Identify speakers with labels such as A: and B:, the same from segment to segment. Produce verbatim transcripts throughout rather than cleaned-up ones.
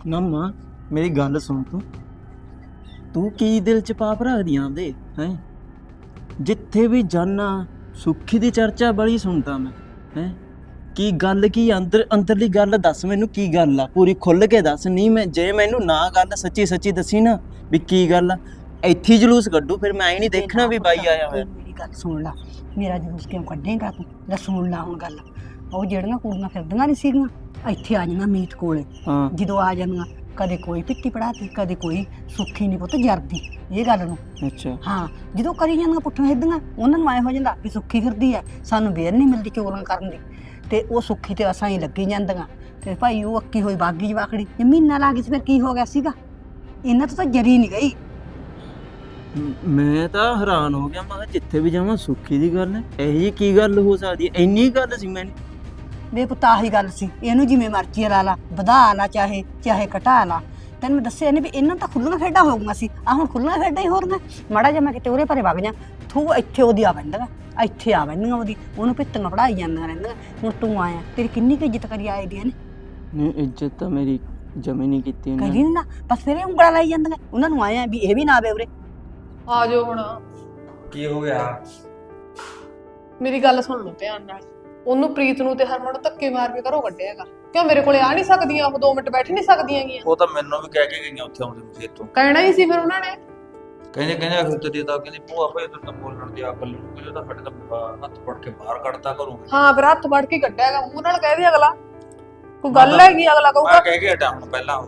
A: ਨਾ ਮਾਂ ਮੇਰੀ ਗੱਲ ਸੁਣ ਤੂੰ ਤੂੰ ਕੀ ਦਿਲ ਚ ਪਾਪ ਰੱਖਦੀ ਆਂਦੇ ਹੈ ਜਿੱਥੇ ਵੀ ਜਾਨਾ ਸੁੱਖੀ ਦੀ ਚਰਚਾ ਬੜੀ ਸੁਣਦਾ ਮੈਂ ਹੈ ਕੀ ਗੱਲ ਕੀ ਅੰਦਰ ਅੰਦਰਲੀ ਗੱਲ ਦੱਸ ਮੈਨੂੰ ਕੀ ਗੱਲ ਆ ਪੂਰੀ ਖੁੱਲ ਕੇ ਦੱਸ ਨਹੀਂ ਮੈਂ ਜੇ ਮੈਨੂੰ ਨਾ ਗੱਲ ਸੱਚੀ ਸੱਚੀ ਦੱਸੀ ਨਾ ਵੀ ਕੀ ਗੱਲ ਆ ਇੱਥੇ ਹੀ ਜਲੂਸ ਕੱਢੂ ਫਿਰ ਮੈਂ ਹੀ ਨਹੀਂ ਦੇਖਣਾ ਵੀ ਬਾਈ ਆਇਆ ਹੋਇਆ।
B: ਮੇਰੀ ਗੱਲ ਸੁਣ ਲਾ ਮੇਰਾ ਜਲੂਸ ਕਿਉਂ ਕੱਢੇਗਾ ਤੂੰ ਲੈ ਸੁਣ ਲਾ ਹੁਣ ਗੱਲ ਉਹ ਜਿਹੜੀਆਂ ਕੁੜੀਆਂ ਫਿਰਦੀਆਂ ਨਹੀਂ ਸੀਗੀਆਂ ਇੱਥੇ ਆ ਜਾਣਾ ਮੀਤ ਕੋਲੇ
A: ਹਾਂ
B: ਜਦੋਂ ਆ ਜਾਂਦੀਆਂ ਕਦੇ ਕੋਈ ਪਿੱਟੀ ਪੜਾਤੀ ਕਦੇ ਕੋਈ ਸੁੱਖੀ ਨਹੀਂ ਪੁੱਤ ਜਰਦੀ ਇਹ ਗੱਲ ਨੂੰ
A: ਅੱਛਾ
B: ਹਾਂ ਜਦੋਂ ਕਰੀ ਜਾਂਦੀਆਂ ਪੁੱਠੀਆਂ ਹਿੱਦੀਆਂ ਉਹਨਾਂ ਨੂੰ ਐ ਹੋ ਜਾਂਦਾ ਵੀ ਸੁੱਖੀ ਫਿਰਦੀ ਐ ਸਾਨੂੰ ਵੇਰ ਨਹੀਂ ਮਿਲਦੀ ਚੋਰਾਂ ਕਰਨ ਦੀ ਤੇ ਉਹ ਸੁੱਖੀ ਤੇ ਅਸਾਂ ਹੀ ਲੱਗੀ ਜਾਂਦੀਆਂ ਤੇ ਭਾਈ ਉਹ ਅੱਕੀ ਹੋਈ ਬਾਗੀ ਜਵਾਕੜੀ ਜੇ ਮਹੀਨਾ ਲੱਗ ਗਈ ਸੀ ਫਿਰ ਕੀ ਹੋ ਗਿਆ ਸੀਗਾ ਇਹਨਾਂ ਤੋਂ ਤਾਂ ਜਰੀ ਨਹੀਂ ਗਈ।
A: ਮੈਂ ਤਾਂ ਹੈਰਾਨ ਹੋ ਗਿਆ ਮੈਂ ਕਿਹਾ ਜਿੱਥੇ ਵੀ ਜਾਵਾਂ ਸੁੱਖੀ ਦੀ ਗੱਲ ਹੈ ਇਹੋ ਜਿਹੀ ਕੀ ਗੱਲ ਹੋ ਸਕਦੀ ਹੈ ਇੰਨੀ ਗੱਲ ਸੀ ਮੈਨੂੰ
B: ਵੇ ਪੁੱਤ ਆਹੀ ਗੱਲ ਸੀ ਇਹਨੂੰ ਜਿਵੇਂ ਮਰਜ਼ੀ ਲਾ ਲਾ ਵਧਾ ਲਾ ਚਾਹੇ ਚਾਹੇ ਘਟਾ ਲਾ ਤੈਨੂੰ ਮੈਂ ਦੱਸਿਆ ਨਹੀਂ ਵੀ ਇਹਨਾਂ ਤਾਂ ਖੁੱਲੀਆਂ ਖੇਡਾਂ ਹੋ ਗਈਆਂ ਸੀ ਆਹ ਹੁਣ ਖੁੱਲੀਆਂ ਖੇਡਾਂ ਹੀ ਹੋਰ ਨੇ ਮਾੜਾ ਜਿਹਾ ਮੈਂ ਕਿਤੇ ਉਰੇ ਪਰੇ ਵਗ ਜਾ ਤੂੰ ਇੱਥੇ ਉਹਦੀ ਆ ਬੈਂਦਾ ਇੱਥੇ ਆ ਬੈਂਦੀਆਂ ਉਹਦੀ ਉਹਨੂੰ ਪਿੱਤੀਆਂ ਪੜਾਈ ਜਾਂਦੀਆਂ ਰਹਿੰਦੀਆਂ ਹੁਣ ਤੂੰ ਆਇਆ ਤੇਰੀ ਕਿੰਨੀ ਕੁ ਇੱਜ਼ਤ ਕਰੀ ਆਏ ਦੀਆਂ ਨੇ
A: ਨਹੀਂ ਇੱਜ਼ਤ ਤਾਂ ਮੇਰੀ ਜਮੀ ਨਹੀਂ ਕੀਤੀ ਇਹਨਾਂ
B: ਕਰੀ ਨਾ ਬਸ ਫਿਰ ਇਹ ਉਂਗਲਾਂ ਲਾਈ ਜਾਂਦੀਆਂ ਉਹਨਾਂ ਨੂੰ ਆਇਆ ਵੀ ਇਹ ਵੀ ਨਾ ਆਵੇ ਉਰੇ
C: ਆ ਜਾਓ ਹੁਣ
D: ਕੀ ਹੋ ਗਿਆ?
C: ਮੇਰੀ ਗੱਲ ਸੁਣ ਲਓ ਧਿਆਨ ਨਾਲ ਉਹਨੂੰ ਪ੍ਰੀਤ ਨੂੰ ਤੇ ਹਰਮਨ ਨੂੰ ਧੱਕੇ ਮਾਰ ਕੇ ਘਰੋਂ ਕੱਢਿਆਗਾ ਕਿਉਂ ਮੇਰੇ ਕੋਲੇ ਆ ਨਹੀਂ ਸਕਦੀਆਂ ਉਹ ਦੋ ਮਿੰਟ ਬੈਠ ਨਹੀਂ ਸਕਦੀਆਂ ਗੀਆਂ
D: ਉਹ ਤਾਂ ਮੈਨੂੰ ਵੀ ਕਹਿ ਕੇ ਗਈਆਂ ਉੱਥੇ ਆਉਂਦੇ ਨੂੰ ਖੇਤੋਂ
C: ਕਹਿਣਾ ਹੀ ਸੀ ਫਿਰ ਉਹਨਾਂ ਨੇ
D: ਕਹਿੰਦੇ ਕਹਿੰਦੇ ਅਖਰ ਤੇ ਤਾਂ ਕਹਿੰਦੀ ਭੂਆ ਭਾਈ ਤੂੰ ਤਾਂ ਬੋਲਣ ਦੀ ਅਕਲ ਨਹੀਂ ਕਿਉਂ ਤਾਂ ਫੱਟ ਤਾਂ ਹੱਥ ਫੜ ਕੇ ਬਾਹਰ ਕੱਢਤਾ ਘਰੋਂ।
C: ਹਾਂ ਫਿਰ ਹੱਥ ਫੜ ਕੇ ਕੱਢਿਆਗਾ ਮੂੰਹ ਨਾਲ ਕਹਿ ਦੇ ਅਗਲਾ ਕੋਈ ਗੱਲ ਹੈਗੀ ਅਗਲਾ
D: ਮੈਂ
C: ਕਹੂਗਾ
D: ਕਹਿ ਕੇ ਹਟਾ ਹੁਣ ਪਹਿਲਾਂ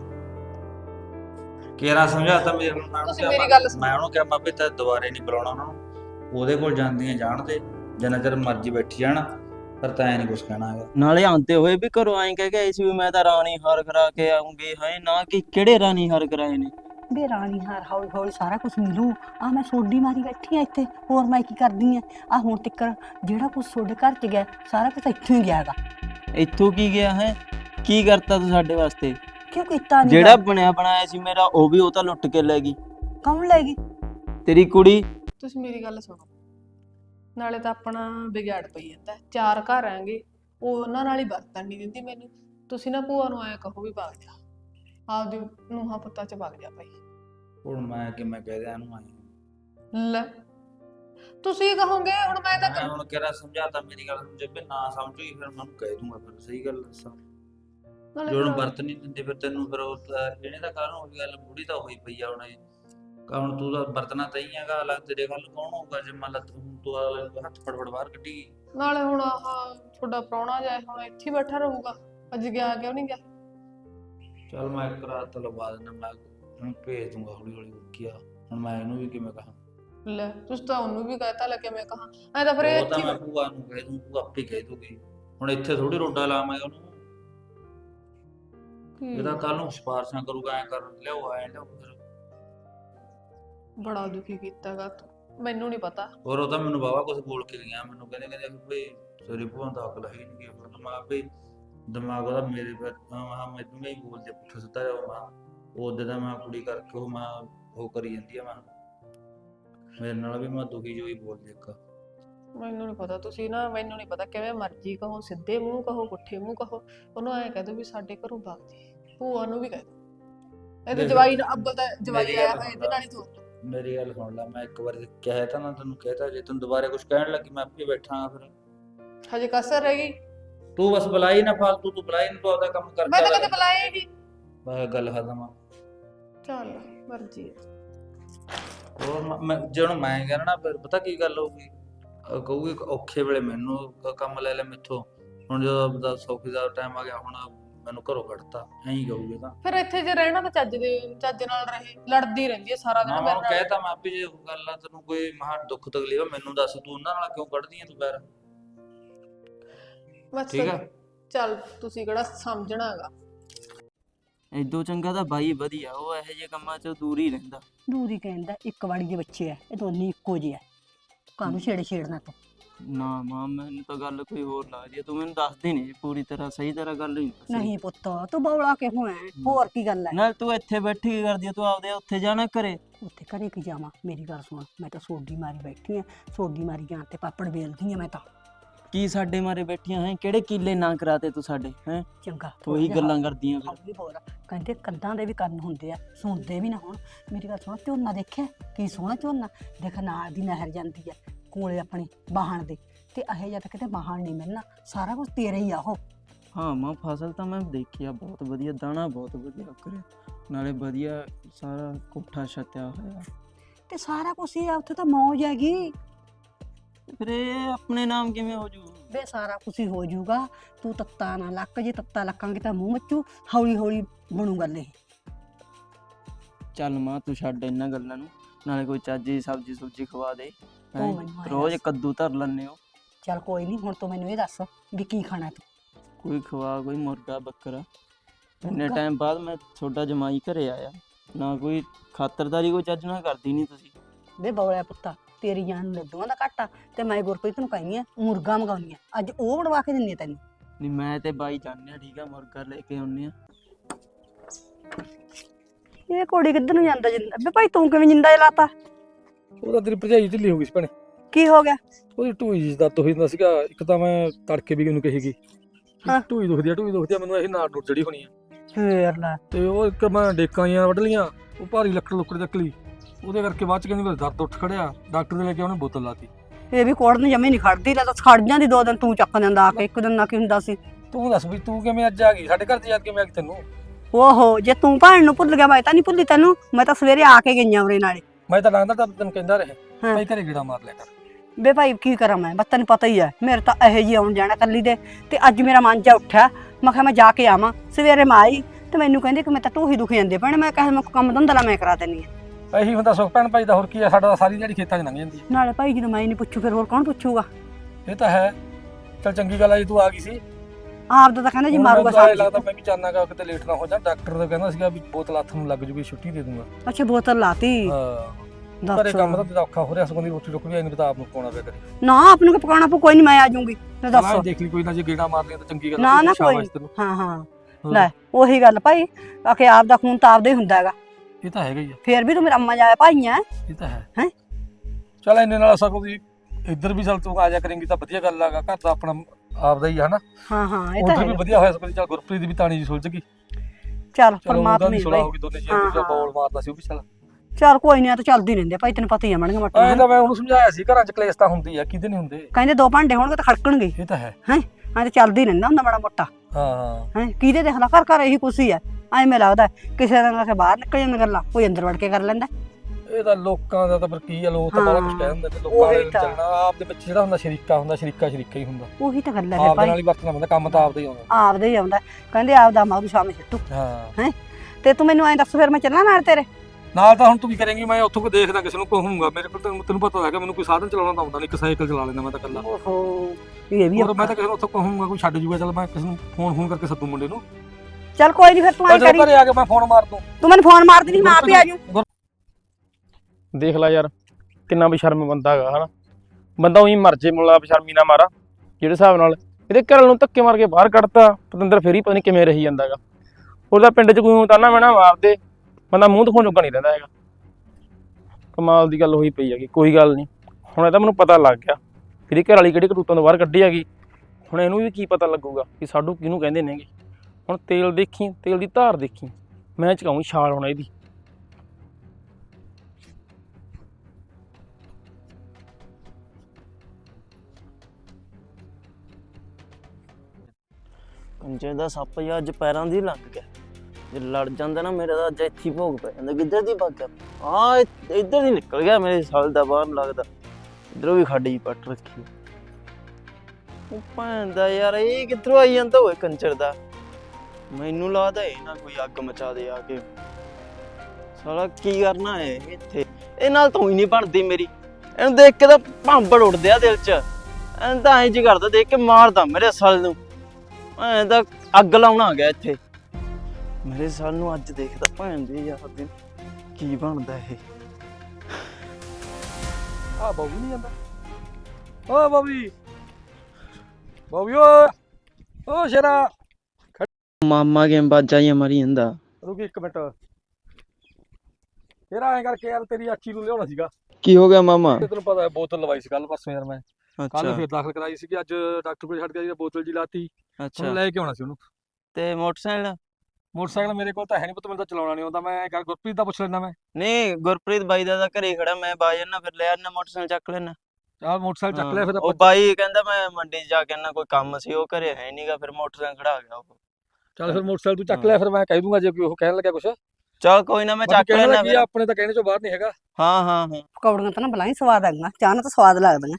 D: ਕਿਹੜਾ ਸਮਝਾਤਾ ਮੇਰੇ ਨੂੰ ਮੈਂ
C: ਤੁਸੀਂ ਮੇਰੀ ਗੱਲ ਸੁਣੋ।
D: ਮੈਂ ਉਹਨੂੰ ਕਿਹਾ ਮਾਪੇ ਤਾਂ ਦੁਬਾਰੇ ਨਹੀਂ ਬੁਲਾਉਣਾ ਉਹਨਾਂ ਨੂੰ ਉਹਦੇ ਕੋਲ ਜਾਂਦੀਆਂ ਜਾਣ ਤੇ ਜਿੰਨਾ ਚਿਰ ਮਰਜ਼ੀ ਬੈਠੀ ਜਾਣ ਪਰ ਤਾਂ ਐ ਨਹੀਂ ਕੁਝ ਕਹਿਣਾ ਹੈਗਾ।
A: ਨਾਲੇ ਆਂਦੇ ਹੋਏ ਵੀ ਘਰੋਂ ਐਂ ਕਹਿ ਕੇ ਆਏ ਸੀ ਵੀ ਮੈਂ ਤਾਂ ਰਾਣੀ ਹਾਰ ਕਰਾ ਕੇ ਆਉਂਗੀ ਹੈ ਨਾ ਕਿ ਕਿਹੜੇ ਰਾਣੀ ਹਾਰ ਕਰਾਏ ਨੇ
B: ਵੀ ਰਾਣੀ ਹਾਰ ਹੌਲੀ ਹੌਲੀ ਸਾਰਾ ਕੁਝ ਮਿਲੂ ਆ ਮੈਂ ਸੋਡੀ ਮਾਰੀ ਬੈਠੀ ਆ ਇੱਥੇ ਹੋਰ ਮੈਂ ਕੀ ਕਰਦੀ ਆ ਆ ਹੁਣ ਤੱਕ ਜਿਹੜਾ ਕੁਝ ਤੁਹਾਡੇ ਘਰ ਚ ਗਿਆ ਸਾਰਾ ਕੁਝ ਇੱਥੋਂ ਹੀ ਗਿਆ ਹੈਗਾ
A: ਇੱਥੋਂ ਕੀ ਗਿਆ ਹੈ ਕੀ ਕਰਤਾ ਤੂੰ ਸਾਡੇ ਵਾਸਤੇ
B: ਕਿਉਂ ਕੀਤਾ ਨਹੀਂ
A: ਜਿਹੜਾ ਬਣਿਆ ਬਣਾਇਆ ਸੀ ਮੇਰਾ ਉਹ ਵੀ ਉਹ ਤਾਂ ਲੁੱਟ ਕੇ ਲੈ ਗਈ
B: ਕੌਣ ਲੈ ਗਈ
A: ਤੇਰੀ ਕੁੜੀ।
C: ਤੁਸੀਂ ਮੇਰੀ ਗੱਲ ਸੁਣੋ ਨਾਲੇ ਤਾਂ ਆਪਣਾ ਵਿਗਾੜ ਪਈ ਜਾਂਦਾ ਚਾਰ ਘਰ ਆਂਗੇ ਉਹ ਉਹਨਾਂ ਨਾਲ ਹੀ ਵਰਤਣ ਨਹੀਂ ਦਿੰਦੀ ਮੈਨੂੰ ਤੁਸੀਂ ਨਾ ਭੂਆ ਨੂੰ ਐ ਕਹੋ ਵੀ ਵਗ ਜਾ ਆਪਦੀ ਨੂੰਹਾਂ ਪੁੱਤਾਂ ਚ ਵਗ ਜਾ ਭਾਈ
D: ਹੁਣ ਮੈਂ ਕਿਵੇਂ ਕਹਿ ਦਿਆਂ ਇਹਨੂੰ ਆਈ
C: ਲੈ ਤੁਸੀਂ ਕਹੋਗੇ ਹੁਣ ਮੈਂ ਤਾਂ
D: ਮੈਂ ਹੁਣ ਕਿਹੜਾ ਸਮਝਾਤਾ ਮੇਰੀ ਗੱਲ ਸਮਝੇ ਵੀ ਨਾ ਸਮਝੂਗੀ ਫਿਰ ਮੈਂ ਉਹਨੂੰ ਕਹਿ ਦੂੰਗਾ ਫਿਰ ਸਹੀ ਗੱਲ ਦੱਸਾਂ
C: ਨਾਲੇ
D: ਜੇ ਉਹਨੂੰ
C: ਫਿਰ-
D: ਵਰਤ ਨਹੀਂ ਦਿੰਦੇ ਫਿਰ ਤੈਨੂੰ ਫਿਰ ਉਹ ਤਾਂ ਇਹਨੇ ਤਾਂ ਕਾਹਨੂੰ ਹੋਈ ਗੱਲ ਬੁੜੀ ਤਾਂ ਹੋਈ ਪਈ ਆ ਹੁਣ ਇਹ ਕਾ ਹੁਣ ਤੂੰ ਤਾਂ ਵਰਤਣਾ ਤਾਂ ਹੀ ਹੈਗਾ ਅਲੱਗ ਤੇਰੇ ਗੱਲ ਕੌਣ ਹੋਊਗਾ ਜੇ ਮੰਨ ਲਾ ਤੂੰ ਤੂੰ ਅਗਲੇ ਨੂੰ ਹੱਥ ਫੜ ਫੜ ਬਾਹਰ ਕੱਢੀ
C: ਨਾਲੇ ਹੁਣ ਆਹ ਤੁਹਾਡਾ ਪ੍ਰਾਹੁਣਾ ਜਾਏ ਹੁਣ ਇੱਥੇ ਹੀ ਬੈਠਾ ਰਹੂਗਾ ਅੱਜ ਗਿਆ ਕਿਉਂ ਨਹੀਂ ਗਿਆ
D: ਚੱਲ ਮੈਂ ਇੱਕ ਰਾਤ ਤੋਂ ਲਵਾ ਦਿੰਦਾ ਮੈਂ ਹੁਣ ਭੇਜ ਦੂੰਗਾ ਹੌਲੀ ਹੌਲੀ ਕੀ ਆ ਹੁਣ ਮੈਂ ਇਹਨੂੰ ਵੀ ਕਿਵੇਂ ਕਹਾਂ
C: ਲੈ ਤੁਸੀਂ ਤਾਂ ਉਹਨੂੰ ਵੀ ਕਹਿਤਾ ਲੈ ਕੇ ਮੈਂ ਕਹਾਂ ਐ ਤਾਂ ਫਿਰ ਇਹ
D: ਉਹ ਤਾਂ
C: ਇੱਥੇ
D: ਮੈਂ ਭੂਆ ਨੂੰ ਕਹਿ ਦੂੰ ਭੂਆ ਆਪੇ ਕਹਿ ਦੂਗੀ ਹੁਣ ਇੱਥੇ ਥੋੜੀ ਰੋਡਾ ਲਾਵਾਂਗੇ ਉਹਨੂੰ
C: ਹੀ-
D: ਇਹਦਾ ਕੱਲ ਨੂੰ ਸਿਫਾਰਸ਼ਾਂ ਕਰੂਗਾ ਐ ਕਰ ਲਿਆਓ ਐ ਲਿਆਓ ਫਿਰ
C: ਬੜਾ ਦੁਖੀ ਕੀਤਾਗਾ ਮੈਨੂੰ ਨਹੀਂ ਪਤਾ
D: ਹੋਰ ਉਹ ਤਾਂ ਮੈਨੂੰ ਬਾਵਾ ਕੁਝ ਬੋਲ ਕੇ ਗਈਆਂ ਮੈਨੂੰ ਕਹਿੰਦੇ ਕਹਿੰਦੇ ਵੀ ਤੇਰੀ ਭੂਆ ਦਾ ਅਕਲ ਹੈ ਨਹੀਂ ਫਿਰ ਦਿਮਾਗ ਵੀ ਦਿਮਾਗ ਉਹਦਾ ਮੇਰੇ ਪਰ ਮੈਂ ਮੈਨੂੰ ਨਹੀਂ ਬੋਲਦੇ ਪੁੱਠਾ ਸਿੱਧਾ ਜਾਓ ਮੈਂ ਉਹਦੇ ਦਾ ਮੈਂ ਕੁੜੀ ਕਰਕੇ ਉਹ ਮੈਂ ਉਹ ਕਰੀ ਜਾਂਦੀ ਆ ਮੈਂ ਮੇਰੇ ਨਾਲ ਵੀ ਮੈਂ ਦੁਖੀ ਜੋ ਹੀ ਬੋਲਦੀ ਇੱਕ
C: ਮੈਨੂੰ ਨਹੀਂ ਪਤਾ ਤੁਸੀਂ ਨਾ ਮੈਨੂੰ ਨਹੀਂ ਪਤਾ ਕਿਵੇਂ ਮਰਜ਼ੀ ਕਹੋ ਸਿੱਧੇ ਮੂੰਹ ਕਹੋ ਪੁੱਠੇ ਮੂੰਹ ਕਹੋ ਉਹਨੂੰ ਐਂ ਕਹਿ ਦੋ ਵੀ ਸਾਡੇ ਘਰੋਂ ਭੱਜ ਜੀ ਭੂਆ ਨੂੰ ਵੀ ਕਹਿ ਦੋ ਇਹਦੇ
D: ਦੇਖ,
C: ਜਵਾਈ ਨਾਲ ਅੱਬਲ ਤਾਂ ਜਵਾਈ
D: ਮੇਰੀ
C: ਆਇਆ
D: ਗੱਲ
C: ਹੋਇਆ ਇਹਦੇ ਨਾਲ ਹੀ ਤੂੰ
D: ਮੇਰੀ ਗੱਲ ਸੁਣ ਲੈ ਮੈਂ ਇੱਕ ਵਾਰੀ ਕਿਹਾ ਤਾਂ ਨਾ ਤੈਨੂੰ ਕਹਿਤਾ ਜੇ ਤੈਨੂੰ ਦੁਬਾਰਾ ਕੁਝ ਕਹਿਣ ਲੱਗੀ ਮੈਂ ਆਪੇ ਬੈਠਾਂਗਾ ਫਿਰ
C: ਹਜੇ ਕਸਰ ਰਹਿ ਗਈ
D: ਤੂੰ ਬਸ ਬੁਲਾਈ ਨਾ ਫਾਲਤੂ ਤੂੰ ਬੁਲਾਈ ਨਾ ਤੂੰ ਆਪਦਾ ਕੰਮ ਕਰ
C: ਮੈਂ ਤਾਂ ਕਦੇ ਬੁਲਾਇਆ ਹੀ ਨਹੀਂ
D: ਬਸ ਗੱਲ ਖਤਮ ਆ
C: ਚੱਲ ਮਰਜ਼ੀ ਹੈ
D: ਹੋਰ ਮੈਂ- ਮੈਂ ਜੇ ਹੁਣ ਮੈਂ ਕਹਿਣਾ ਨਾ ਫਿਰ ਪਤਾ ਕੀ ਗੱਲ ਹੋਊਗੀ ਅਹ ਕਹੂਗੀ ਔਖੇ ਵੇਲੇ ਮੈਨੂੰ ਕ- ਕੰਮ ਲੈ ਲੈ ਮੈਥੋਂ ਹੁਣ ਜਦੋਂ ਦਾ ਸੌਖੀ ਦਾ ਟਾਈਮ ਆ ਗਿਆ ਹੁਣ ਮੈਨੂੰ ਘਰੋਂ ਕੱਢਤਾ ਐਂ ਹੀ ਕਹੂਗੀ ਤਾਂ
C: ਫਿਰ ਇੱਥੇ ਜੇ ਰਹਿਣਾ ਤਾਂ ਚੱਜ ਦੇ ਚੱਜ ਨਾਲ ਰਹੇ ਲੜਦੀ ਰਹਿੰਦੀ ਹੈ ਸਾਰਾ ਦਿਨ
D: ਮੈਂ
C: ਮੇਰੇ
D: ਉਹਨੂੰ
C: ਨਾਲ
D: ਕਹਿਤਾ ਮੈਂ ਆਪੇ ਜੇ ਉਹ ਗੱਲ ਆ ਤੈਨੂੰ ਕੋਈ ਮਹਾ ਦੁੱਖ ਤਕਲੀਫ ਆ ਮੈਨੂੰ ਦੱਸ ਤੂੰ ਉਹਨਾਂ ਨਾਲ ਕਿਉਂ ਕੱਢਦੀ ਆ ਤੂੰ ਪੈਰ
C: ਬਸ
D: ਠੀਕ ਆ
C: ਚੱਲ ਤੁਸੀਂ ਕਿਹੜਾ ਸਮਝਣਾ ਹੈਗਾ
A: ਐਦੋਂ ਚੰਗਾ ਤਾਂ ਬਾਈ ਵਧੀਆ ਉਹ ਇਹੋ ਜਿਹੇ ਕੰਮਾਂ 'ਚ ਦੂਰ ਹੀ ਰਹਿੰਦਾ।
B: ਦੂਰੀ ਕਹਿੰਦਾ ਇੱਕ ਵਾਰੀ ਦੇ ਬੱਚੇ ਆ ਇਹ ਦੋਨੇ ਇੱਕੋ ਜਿਹੇ ਆ ਕਾਹਨੂੰ ਛੇੜੇ ਛੇੜਨਾ ਤੂੰ
A: ਨਾ ਮਾਂ ਮੈਨੂੰ ਤਾਂ ਗੱਲ ਕੋਈ ਹੋਰ ਲੱਗਦੀ ਹੈ ਤੂੰ ਮੈਨੂੰ ਦੱਸਦੀ ਨਹੀਂ ਪੂਰੀ ਤਰ੍ਹਾਂ ਸਹੀ ਤਰ੍ਹਾਂ ਗੱਲ ਨਹੀਂ ਦੱਸੀ।
B: ਨਹੀਂ ਪੁੱਤ ਤੂੰ ਬੌਲਾ ਕਿਉਂ ਐ ਹੋਰ ਕੀ ਗੱਲ ਐ
A: ਨਾਲ ਤੂੰ ਇੱਥੇ ਬੈਠੀ ਕੀ ਕਰਦੀ ਆ ਤੂੰ ਆਪਦੇ ਉੱਥੇ ਜਾਣਾ ਘਰੇ
B: ਉੱਥੇ ਘਰੇ ਕੀ ਜਾਵਾਂ ਮੇਰੀ ਗੱਲ ਸੁਣ ਮੈਂ ਤਾਂ ਸੋਡੀ ਮਾਰੀ ਬੈਠੀ ਆ ਸੋਡੀ ਮਾਰੀ ਜਾਣ ਤੇ ਪਾਪੜ ਵੇਲਦੀ ਆ ਮੈਂ ਤਾਂ
A: ਕੀ ਸਾਡੇ ਮਾਰੇ ਬੈਠੀਆਂ ਹੈ ਕਿਹੜੇ ਕੀਲੇ ਨਾ ਕਰਾਤੇ ਤੂੰ ਸਾਡੇ ਹੈ
B: ਚੰਗਾ
A: ਉਹੀ ਗੱਲਾਂ ਕਰਦੀਆਂ ਫਿਰ
B: ਹੌਲੀ ਬੋਲ ਕਹਿੰਦੇ ਕੰਧਾਂ ਦੇ ਵੀ ਕੰਨ ਹੁੰਦੇ ਆ, ਸੁਣਦੇ ਵੀ ਨਾ ਹੋਣ। ਮੇਰੀ ਗੱਲ ਸੁਣ, ਝੋਨਾ ਦੇਖਿਆ ਕੀ ਸੋਹਣਾ ਝੋਨਾ, ਦੇਖ ਨਾਲ ਦੀ ਨਹਿਰ ਜਾਂਦੀ ਆ ਕੋਲੇ ਆਪਣੀ ਬਾਹਣ ਦੇ, ਤੇ ਇਹ ਜਦ ਕਿਤੇ ਬਾਹਣ ਨਹੀਂ ਮਿਲਣਾ, ਸਾਰਾ ਕੁਝ ਤੇਰੇ ਹੀ ਆ ਉਹ।
A: ਹਾਂ ਮਾਂ ਫਸਲ ਤਾਂ ਮੈਂ ਦੇਖੀ ਆ, ਬਹੁਤ ਵਧੀਆ ਦਾਣਾ, ਬਹੁਤ ਵਧੀਆ ਕਰਿਆ, ਨਾਲੇ ਵਧੀਆ ਸਾਰਾ ਕੋਠਾ ਛੱਤਿਆ ਹੋਇਆ।
B: ਤੇ ਸਾਰਾ ਕੁਝ ਹੀ ਆ ਉੱਥੇ, ਤਾਂ ਮੌਜ ਹੈਗੀ।
A: ਫਿਰ ਇਹ ਆਪਣੇ ਨਾਮ ਕਿਵੇਂ ਹੋ ਜੂ?
B: ਵੇ ਸਾਰਾ ਕੁਝ ਹੀ ਹੋ ਜਾਊਗਾ, ਤੂੰ ਤੱਤਾ ਨਾ ਲੱਕ, ਜੇ ਤੱਤਾ ਲੱਕਾਂਗੇ ਤਾਂ ਮੂੰਹ ਮੱਚੂ, ਹੌਲੀ ਹੌਲੀ ਬਣੂ ਗੱਲ ਇਹ।
A: ਚੱਲ ਮਾਂ ਤੂੰ ਛੱਡ ਇਹਨਾਂ ਗੱਲਾਂ ਨੂੰ, ਨਾਲੇ ਕੋਈ ਚੱਜ ਦੀ ਸਬਜ਼ੀ ਸੁਬਜ਼ੀ ਖਵਾ ਦੇ।
B: ਤੂੰ
A: ਹੈਂ?
B: ਮੈਨੂੰ ਐਂ
A: ਰੋਜ਼
B: ਦੱਸ।
A: ਕੱਦੂ ਧਰ ਲੈਂਦੇ ਹੋ।
B: ਚੱਲ ਕੋਈ ਨਹੀਂ, ਹੁਣ ਤੂੰ ਮੈਨੂੰ ਇਹ ਦੱਸ ਵੀ ਕੀ ਖਾਣਾ ਤੂੰ।
A: ਕੋਈ ਖਵਾ, ਕੋਈ ਮੁਰਗਾ ਬੱਕਰਾ। ਇੰਨੇ
B: ਮੁਰਗਾ?
A: ਟਾਈਮ ਬਾਅਦ ਮੈਂ ਤੁਹਾਡਾ ਜਮਾਈ ਘਰੇ ਆਇਆ, ਨਾ ਕੋਈ ਖਾਤਰਦਾਰੀ ਕੋਈ ਚੱਜ ਨਾਲ ਕਰਦੀ ਨਹੀਂ ਤੁਸੀਂ।
B: ਵੇ ਬੌਲਿਆ ਪੁੱਤਾ, ਤੇਰੀ ਜਾਨ ਲੱਡੂਆਂ ਦਾ ਘਾਟਾ, ਤੇ ਮੈਂ ਗੁਰਪ੍ਰੀਤ ਨੂੰ ਕਹਿੰਦੀ ਆ ਮੁਰਗਾ ਮੰਗਾਉਣੀ ਆ, ਅੱਜ ਉਹ ਬਣਵਾ ਕੇ ਦਿੰਨੀ ਆ ਤੈਨੂੰ।
A: ਨਹੀਂ ਮੈਂ ਤੇ ਬਾਈ ਜਾਂਦੇ ਆ, ਠੀਕ ਆ, ਮੁਰਗਾ ਲੈ ਕੇ ਆਉਂਦੇ ਆ।
B: ਇਹ ਕੋੜੀ ਕਿੱਧਰ ਨੂੰ ਜਾਂਦਾ ਜਿੰਦਾ? ਵੇ ਭਾਈ ਤੂੰ ਕਿਵੇਂ ਜਿੰਦਾ ਲਾਤਾ?
E: ਉਹਦਾ ਤੇਰੀ ਭਰਜਾਈ ਢਿੱਲੀ ਹੋ ਗਈ ਸੀ ਭੈਣੇ,
B: ਕੀ ਹੋ ਗਿਆ?
E: ਉਹਦੀ ਢੂਈ ਜਿਸ ਦਾ ਦੁਖੀ ਹੁੰਦਾ ਸੀਗਾ। ਇੱਕ ਤਾਂ ਮੈਂ ਤੜਕੇ ਵੀ ਉਹਨੂੰ ਕਹੀਗੀ
B: ਹਾਂ।
E: ਢੂਈ ਦੁਖਦੀ ਆ ਢੂਈ ਦੁਖਦੀ ਆ, ਮੈਨੂੰ ਇਹ ਨਾੜ ਨੂੜ ਜੜੀ ਹੋਣੀ ਆ।
B: ਫੇਰ ਲੈ,
E: ਤੇ ਉਹ ਇੱਕ ਮੈਂ ਡੇਕਾਂ ਜਿਹੀਆਂ ਵੱਢ ਲੀਆਂ, ਉਹ ਭਾਰੀ ਲੱਕੜ ਲੁੱਕੜ ਚੱਕ ਲਈ, ਉਹਦੇ ਕਰਕੇ ਬਾਅਦ ਚ ਕਹਿੰਦੀ ਮੇਰਾ ਦਰਦ ਉੱਠ ਖੜਿਆ, ਡਾਕਟਰ ਦੇ ਲੈ ਕੇ ਉਹਨੇ ਬੋਤਲ ਲਾਤੀ।
B: ਇਹ ਵੀ ਕੋੜ ਨੂੰ ਜਮੀ ਨਹੀਂ ਖੜਦੀ, ਲੈ ਤਾਂ ਖੜ ਜਾਂਦੀ ਦੋ ਦਿਨ, ਤੂੰ ਚੱਕ ਦਿੰਦਾ ਆ ਕੇ, ਇੱਕ ਦਿਨ ਨਾ ਕੀ ਹੁੰਦਾ ਸੀ।
E: ਤੂੰ ਦੱਸ ਵੀ ਤੂੰ ਕਿਵੇਂ ਅੱਜ ਆ ਗਈ ਸਾਡੇ ਘਰ, ਤੇ ਯਾਦ ਕਿਵੇਂ ਆ ਗਈ ਤੈਨੂੰ?
B: ਓਹੋ, ਜੇ ਤੂੰ ਭੈਣ ਨੂੰ ਭੁੱਲ ਗਿਆ, ਮੈਂ ਤਾਂ ਨਹੀਂ ਭੁੱਲੀ ਤੈਨੂੰ, ਮੈਂ ਤਾਂ ਸਵੇਰੇ ਆ ਕੇ ਗਈਆਂ ਉਹਦੇ ਨਾਲੇ।
E: ਮੈਂ ਤਾਂ ਲੱਗਦਾ ਤਾਂ ਤੈਨੂੰ ਕਹਿੰਦਾ ਰਿਹਾ
B: ਹਾਂ।
E: ਭਾਈ ਘਰੇ ਗੇੜਾ ਮਾਰ ਲਿਆ ਕਰ।
B: ਵੇ ਭਾਈ ਕੀ ਕਰਾਂ ਮੈਂ, ਬਸ ਤੈਨੂੰ ਪਤਾ ਹੀ ਹੈ ਮੇਰੇ ਤਾਂ ਇਹੋ ਜਿਹੀ ਆਉਣ ਜਾਣਾ ਕੱਲੀ ਦੇ। ਤੇ ਅੱਜ ਮੇਰਾ ਮਨ ਜਾ ਉੱਠਿਆ, ਮੈਂ ਕਿਹਾ ਮੈਂ ਜਾ ਕੇ ਆਵਾਂ। ਸਵੇਰੇ ਮੈਂ ਆਈ ਤੇ ਮੈਨੂੰ ਕਹਿੰਦੇ ਕਿ ਮੈਂ ਤਾਂ ਢੂਹੀ ਦੁਖੀ ਜਾਂਦੇ ਭੈਣੇ, ਮੈਂ ਕਿਹਾ ਮੈਂ ਕੰਮ ਧੰਦਾ ਲਾ ਮੈਂ ਕਰਾ ਦਿੰਦੀ ਆ।
E: ਇਹੀ ਹੁੰਦਾ ਸੁੱਖ ਭੈਣ ਭਾਈ ਦਾ, ਹੋਰ ਕੀ ਆ, ਸਾਡਾ ਤਾਂ ਸਾਰੀ ਦਿਹਾੜੀ ਖੇਤਾਂ 'ਚ ਲੰਘ ਜਾਂਦੀ ਹੈ।
B: ਨਾਲੇ ਭਾਈ ਜਦੋਂ ਮੈਂ ਨਹੀਂ ਪੁੱਛੂ ਫਿਰ ਹੋਰ ਕੌਣ ਪੁੱਛੂਗਾ?
E: ਇਹ ਤਾਂ ਹੈ, ਚਲ ਚੰਗੀ ਗੱਲ ਆ ਜੀ ਤੂੰ ਆ ਗਈ ਸੀ।
B: ਆਪ ਦਾ ਤਾਂ ਕਹਿੰਦਾ ਜੀ
E: ਹੁਣ
B: ਮਾਰੂਗਾ
E: ਮੈਨੂੰ ਤਾਂ ਇਹ
B: ਸਾਹ।
E: ਲੱਗਦਾ ਮੈਂ ਵੀ ਚਾਹਨਾਗਾ ਕਿਤੇ ਲੇਟ ਨਾ ਹੋ ਜਾ। ਡਾਕਟਰ ਦਾ ਕਹਿੰਦਾ ਸੀਗਾ ਵੀ ਬੋਤਲ ਹੱਥ ਨੂੰ ਲੱਗ ਜੂਗੀ, ਛੁੱਟੀ ਦੇ ਦੂੰਗਾ।
B: ਅੱਛਾ ਬੋਤਲ ਲਾਤੀ।
E: ਹਾਂ,
B: ਦੱਸ।
E: ਘਰੇ ਕੰਮ ਤਾਂ ਤੇਰਾ ਔਖਾ ਹੋ ਰਿਹਾ, ਸਗੋਂ ਦੀ ਰੋਟੀ ਰੁਕ ਵੀ ਨਹੀਂ ਪਤਾ ਆਪ ਨੂੰ ਪਾਉਣਾ ਪਿਆ ਕਰੇ।
B: ਨਾ ਆਪ ਨੂੰ ਕਿ ਪਕਾਉਣਾ ਪਊ, ਕੋਈ ਨਹੀਂ ਮੈਂ ਆ ਜਾਊਂਗੀ। ਤੇ
E: ਚਲ
B: ਦੱਸੋ।
E: ਦੇਖ ਲਈ ਕੋਈ ਨਾ, ਜੇ ਗੇੜਾ ਮਾਰ ਲਿਆ ਤਾਂ ਚੰਗੀ ਗੱਲ
B: ਨਾ
E: ਆ,
B: ਨਾ ਕੋਈ
E: ਸ਼ਾਬਾਸ਼ ਤੈਨੂੰ।
B: ਹਾਂ ਹਾਂ ਲੈ ਉਹੀ ਗੱਲ ਭਾਈ, ਆਖੇ ਆਪ ਦਾ ਖੂਨ ਤਾਂ ਆਪਦਾ ਹੀ ਹੁੰਦਾ ਹੈਗਾ।
E: ਇਹ ਤਾਂ ਹੈਗਾ ਹੀ ਆ,
B: ਫੇਰ ਵੀ ਤੂੰ ਮੇਰਾ ਅੰਮਾ ਜਾਇਆ ਭਾਈ ਐ।
E: ਇਹ ਤਾਂ ਹੈ।
B: ਹੈਂ?
E: ਚਲ ਇੰਨੇ ਨਾਲ ਸਗੋਂ ਦੀ ਇੱਧਰ ਵੀ ਚੱਲ ਤੂੰ ਆ ਜਾ ਕਰੇਂਗੀ ਤਾਂ ਵਧੀਆ ਗੱਲ ਆਗਾ, ਘਰ ਦਾ ਆਪਣਾ ਆਪਦਾ ਹੀ ਆ ਹਨਾ।
B: ਹਾਂ ਹਾਂ ਇਹ ਤਾਂ
E: ਉਧਰ ਵੀ
B: ਹੈ।
E: ਵਧੀਆ ਹੋਇਆ ਸਗੋਂ, ਚਲ ਗੁਰਪ੍ਰੀਤ ਦੀ ਵੀ ਤਾਣੀ ਜੀ ਸੁਲਝ ਗਈ।
B: ਚੱਲ
E: ਚਲੋ ਉਹਦਾ
B: ਪਰਮਾਤਮਾ
E: ਵੀ
B: ਹੀ
E: ਸੁਲਾ
B: ਭਾਈ।
E: ਹੋ ਗਈ, ਦੋਨੇ ਜੀ
B: ਹਾਂ,
E: ਦੂਜਾ
B: ਹਾਂ।
E: ਬੌਲ ਮਾਰਦਾ ਸੀ ਉਹ ਵੀ। ਚਲ
B: ਚੱਲ ਕੋਈ ਨਹੀਂ, ਆ ਤਾਂ ਚੱਲਦੀ ਰਹਿੰਦੇ ਭਾਈ, ਤੈਨੂੰ ਪਤਾ ਹੀ ਆ ਮਣੀਆਂ
E: ਐਂ
B: ਮਟੀਆਂ।
E: ਤਾਂ ਮੈਂ ਉਹਨੂੰ ਸਮਝਾਇਆ ਸੀ, ਘਰਾਂ 'ਚ ਕਲੇਸ਼ ਤਾਂ ਹੁੰਦੀ ਆ, ਕਿਹਦੇ ਨਹੀਂ ਹੁੰਦੇ।
B: ਕਹਿੰਦੇ ਦੋ ਭਾਂਡੇ ਹੋਣਗੇ ਤਾਂ ਖੜਕਣਗੇ।
E: ਇਹ ਤਾਂ ਹੈ।
B: ਹੈ ਐਂ ਤਾਂ ਚੱਲਦੀ ਰਹਿੰਦਾ ਹੁੰਦਾ ਮਾੜਾ ਮੋਟਾ।
E: ਹਾਂ ਹਾਂ,
B: ਹੈ ਕਿਹਦੇ ਦੇਖ ਲਾ, ਘਰ ਘਰ ਇਹੀ ਕੁਛ ਹੀ ਆ। ਐਵੇਂ ਲੱਗਦਾ ਕਿਸੇ ਦਾ ਨਾ ਬਾਹਰ ਨਿਕਲ ਜਾਂਦਾ ਗੱਲਾਂ, ਕੋਈ ਅੰਦਰ ਵੜ ਕੇ ਕਰ ਲੈਂਦਾ।
E: ਇਹ ਤਾਂ ਲੋਕਾਂ ਦਾ ਤਾਂ ਫਿਰ ਕੀ ਆ, ਲੋਕ ਤਾਂ
B: ਹਾਂ,
E: ਬੜਾ ਕੁਝ ਕਹਿ ਦਿੰਦੇ ਨੇ। ਲੋਕਾਂ
B: ਉਹੀ
E: ਨੇ
B: ਤਾਂ।
E: ਚੱਲਣਾ, ਆਪ ਦੇ ਵਿੱਚ ਜਿਹੜਾ ਹੁੰਦਾ ਸ਼ਰੀਕਾ ਹੁੰਦਾ, ਸ਼ਰੀਕਾ ਸ਼ਰੀਕਾ ਹੀ ਹੁੰਦਾ।
B: ਉਹੀ ਤਾਂ ਗੱਲ ਹੈ
E: ਆਪ ਦੇ
B: ਭਾਈ,
E: ਨਾਲ ਹੀ ਵਰਤਣਾ ਪੈਂਦਾ, ਕੰਮ ਤਾਂ ਆਪਦਾ ਹੀ ਆਉਂਦਾ।
B: ਆਪਦੇ ਹੀ ਆਉਂਦਾ। ਕਹਿੰਦੇ ਆਪਦਾ ਮਾਰੂ ਸ਼ਾਮੇ ਛੱਟੂ।
E: ਹਾਂ,
B: ਹੈ ਤੇ ਤੂੰ ਮੈਨੂੰ ਐਂ ਦੱਸ, ਫਿਰ ਮੈਂ ਚੱਲਾਂ ਨਾਲ ਤੇਰੇ?
E: ਨਾਲ ਤਾਂ ਹੁਣ ਤੂੰ ਕੀ ਕਰੇਂਗੀ, ਮੈਂ ਉੱਥੋਂ ਕੋ ਦੇਖਦਾ ਕਿਸੇ ਨੂੰ ਕਹੂੰਗਾ। ਮੇਰੇ ਕੋਲ ਤੈਨੂੰ ਤੈਨੂੰ ਪਤਾ ਹੈਗਾ, ਮੈਨੂੰ ਕੋਈ ਸਾਧਨ ਚਲਾਉਣਾ ਤਾਂ ਆਉਂਦਾ ਨਹੀਂ, ਇੱਕ ਸਾਈਕਲ ਚਲਾ ਲੈਂਦਾ ਮੈਂ ਤਾਂ ਇਕੱਲਾ।
B: ਓਹੋ ਇਹ ਵੀ
E: ਹੋਰ ਮੈਂ ਤਾਂ ਕਿਸੇ ਨੂੰ ਉੱਥੋਂ ਕਹੂੰਗਾ, ਕੋਈ ਛੱਡ ਜੂਗਾ। ਚੱਲ ਮੈਂ ਕਿਸੇ ਨੂੰ ਫੋਨ ਫੋਨ ਕਰਕੇ ਸੱਦੂ ਮੁੰਡੇ ਨੂੰ।
B: ਚੱਲ ਕੋਈ ਨਹੀਂ, ਫਿਰ ਤੂੰ ਐਂ
E: ਜਦੋਂ
B: ਕਰੀ,
E: ਘਰੇ ਆ ਕੇ ਮੈਂ ਫੋਨ ਮਾਰ ਦੂੰ।
B: ਤੂੰ ਮੈਨੂੰ ਫੋਨ ਮਾਰ ਦੇਣੀ, ਮੈਂ ਆਪ ਹੀ ਆ ਜਾਊਂ।
F: ਦੇਖ ਲੈ ਯਾਰ ਕਿੰਨਾ ਬੇਸ਼ਰਮ ਬੰਦਾ ਹੈਗਾ ਹਨਾ। ਬੰਦਾ ਉਹੀ ਮਰ ਜੇ ਮੁੱਲਾ ਬੇਸ਼ਰਮੀ ਨਾ ਮਾਰਾ। ਜਿਹੜੇ ਹਿਸਾਬ ਨਾਲ ਇਹਦੇ ਘਰ ਵਾਲ ਨੂੰ ਧੱਕੇ ਮਾਰ ਕੇ ਬਾਹਰ ਕੱਢਤਾ, ਪਤੰਦਰ ਫੇਰ ਹੀ ਪਤਾ ਨਹੀਂ ਕਿਵੇਂ ਰਹੀ ਜਾਂਦਾ ਹੈਗਾ। ਉਹਦਾ ਪਿੰਡ 'ਚ ਕੋਈ ਤਾਨਾ ਮੈਣਾ ਮਾਰਦੇ, ਬੰਦਾ ਮੂੰਹ ਦਿਖਾਉਣ ਜੋਗਾ ਨਹੀਂ ਰਹਿੰਦਾ ਹੈਗਾ। ਕਮਾਲ ਦੀ ਗੱਲ ਹੋਈ ਪਈ ਹੈਗੀ। ਕੋਈ ਗੱਲ ਨਹੀਂ, ਹੁਣ ਇਹ ਤਾਂ ਮੈਨੂੰ ਪਤਾ ਲੱਗ ਗਿਆ ਇਹਦੀ ਘਰ ਵਾਲੀ ਕਿਹੜੀ ਕਰਤੂਤਾਂ ਤੋਂ ਬਾਹਰ ਕੱਢੀ ਹੈਗੀ। ਹੁਣ ਇਹਨੂੰ ਵੀ ਕੀ ਪਤਾ ਲੱਗੂਗਾ ਕਿ ਸਾਡੂ ਕਿਹਨੂੰ ਕਹਿੰਦੇ ਨੇਗੇ। ਹੁਣ ਤੇਲ ਦੇਖੀ, ਤੇਲ ਦੀ ਧਾਰ ਦੇਖੀ, ਮੈਂ ਚਕਾਉਂ ਛਾਲ ਹੁਣ ਇਹਦੀ।
A: ਕੰਜੇ ਦਾ ਸੱਪ ਜਿਹਾ ਅੱਜ ਪੈਰਾਂ ਦੀ ਲੱਗ ਗਿਆ। ਜੇ ਲੜ ਜਾਂਦਾ ਨਾ ਮੇਰਾ ਤਾਂ ਅੱਜ ਇੱਥੇ ਹੀ ਭੋਗ ਪੈ ਜਾਂਦਾ। ਕਿੱਧਰ ਦੀ ਭੱਜ ਗਿਆ? ਹਾਂ ਇੱਧਰ ਦੀ ਨਿਕਲ ਗਿਆ ਮੇਰੇ ਸਾਲ ਦਾ ਬਾਹਰ ਲੱਗਦਾ। ਇੱਧਰੋਂ ਵੀ ਖੱਡ ਜੀ ਪੱਟ ਰੱਖੀ। ਉਹ ਭੈਣ ਦਾ ਯਾਰ, ਇਹ ਕਿੱਧਰੋਂ ਆਈ ਜਾਂਦਾ ਓਏ ਕੰਜਰ ਦਾ? ਮੈਨੂੰ ਲੱਗਦਾ ਇਹ ਨਾ ਕੋਈ ਅੱਗ ਮਚਾ ਦੇ ਆ ਕੇ। ਸਾਲਾ ਕੀ ਕਰਨਾ ਹੈ ਇੱਥੇ? ਇਹ ਨਾਲ ਤਾਂ ਹੀ ਨਹੀਂ ਬਣਦੀ ਮੇਰੀ। ਇਹਨੂੰ ਦੇਖ ਕੇ ਤਾਂ ਭਾਂਬੜ ਉੱਡਦੇ ਆ ਦਿਲ 'ਚ। ਇਹਨੂੰ ਤਾਂ ਐਂ ਜੀ ਕਰਦਾ ਦੇਖ ਕੇ ਮਾਰਦਾ ਮੇਰੇ ਸਾਲ ਨੂੰ। ਭੈਣ ਦਾ ਅੱਗ ਲਾਉਣਾ ਆ ਗਿਆ ਇੱਥੇ ਮੇਰੇ ਸਾਲ ਨੂੰ। ਅੱਜ ਦੇਖਦਾ ਭੈਣ ਦੀ ਯਾਰ ਦਿਨ ਕੀ ਬਣਦਾ ਇਹ।
E: ਆ ਬਾਬੂ ਨਹੀਂ ਜਾਂਦਾ। ਓ ਬਾਬੀ, ਬਾਬੀ ਓ ਓ ਸ਼ੇਰਾ,
A: ਮਾਮਾ ਕੇ ਬਾਜਾ ਹੀ ਮਰੀ ਜਾਂਦਾ।
E: ਰੁਕ ਇੱਕ ਮਿੰਟ। ਸ਼ੇਰਾ ਐਂ ਕਰਕੇ ਯਾਰ ਤੇਰੀ ਆਚੀ ਨੂੰ ਲਿਆਉਣਾ ਸੀਗਾ।
A: ਕੀ ਹੋ ਗਿਆ ਮਾਮਾ?
E: ਤੈਨੂੰ ਪਤਾ ਹੈ ਬੋਤਲ ਲਵਾਈ ਸੀ ਕੱਲ ਪਰਸੋਂ ਯਾਰ ਮੈਂ। ਕੱਲ
A: ਅੱਛਾ
E: ਫਿਰ ਦਾਖਲ ਕਰਾਈ ਸੀ ਕਿ ਅੱਜ ਡਾਕਟਰ ਕੋਲ ਛੱਡ ਕੇ ਬੋਤਲ ਜੀ ਲਾਤੀ।
A: ਅੱਛਾ
E: ਹੁਣ ਲੈ ਕੇ ਆਉਣਾ ਸੀ ਉਹਨੂੰ।
A: ਤੇ ਮੋਟਰਸਾਈਕਲ
E: ਮੋਟਰਸਾਈਕਲ ਮੇਰੇ ਕੋਲ ਤਾਂ ਹੈ ਨਹੀਂ ਪੁੱਤ, ਮੈਨੂੰ ਤਾਂ ਚਲਾਉਣਾ ਨਹੀਂ ਆਉਂਦਾ। ਮੈਂ ਗੱਲ ਗੁਰਪ੍ਰੀਤ ਦਾ ਪੁੱਛ ਲੈਂਦਾ ਮੈਂ।
A: ਨਹੀਂ ਗੁਰਪ੍ਰੀਤ ਬਾਈ ਦਾ ਤਾਂ ਘਰੇ ਖੜਾ, ਮੈਂ ਬਾਈ ਜਾਨਾ ਫਿਰ ਲੈ ਆਣਾ ਮੋਟਰਸਾਈਕਲ ਚੱਕ ਲੈਣਾ।
E: ਆਹ ਮੋਟਰਸਾਈਕਲ ਚੱਕ ਲਿਆ ਫਿਰ
A: ਉਹ
E: ਆਪਾਂ।
A: ਬਾਈ ਕਹਿੰਦਾ ਮੈਂ ਮੰਡੀ 'ਚ ਜਾ ਕੇ ਆਉਣਾ, ਕੋਈ ਕੰਮ ਸੀ, ਉਹ ਘਰੇ ਹੈ ਨਹੀਂਗਾ, ਫਿਰ ਮੋਟਰਸਾਈਕਲ ਖੜਾ ਗਿਆ ਉਹ।
E: ਚੱਲ ਫਿਰ ਮੋਟਰਸਾਈਕਲ ਤੂੰ ਚੱਕ ਲਿਆ, ਫਿਰ ਮੈਂ ਕਹਿ ਦੂੰਗਾ ਜੇ ਕੋਈ ਉਹ ਕਹਿਣ ਲੱਗਿਆ ਕੁਛ।
A: ਚੱਲ ਕੋਈ ਨਾ, ਮੈਂ
E: ਬਾਕੀ
A: ਚੱਕ
E: ਕਹਿਣ
A: ਲੈਣਾ
E: ਲੱਗੀ
A: ਫਿਰ।
E: ਆ, ਆਪਣੇ ਤਾਂ ਕਹਿਣੇ ਚੋਂ ਬਾਹਰ ਨਹੀਂ ਹੈਗਾ।
A: ਹਾਂ ਹਾਂ ਹਾਂ
B: ਪਕੌੜੀਆਂ ਤਾਂ ਨਾ ਬਲਾਈ ਸਵਾਦ ਆਈਆਂ, ਚਾਹ ਨਾਲ ਤਾਂ ਸਵਾਦ ਲੱਗਦੀਆਂ,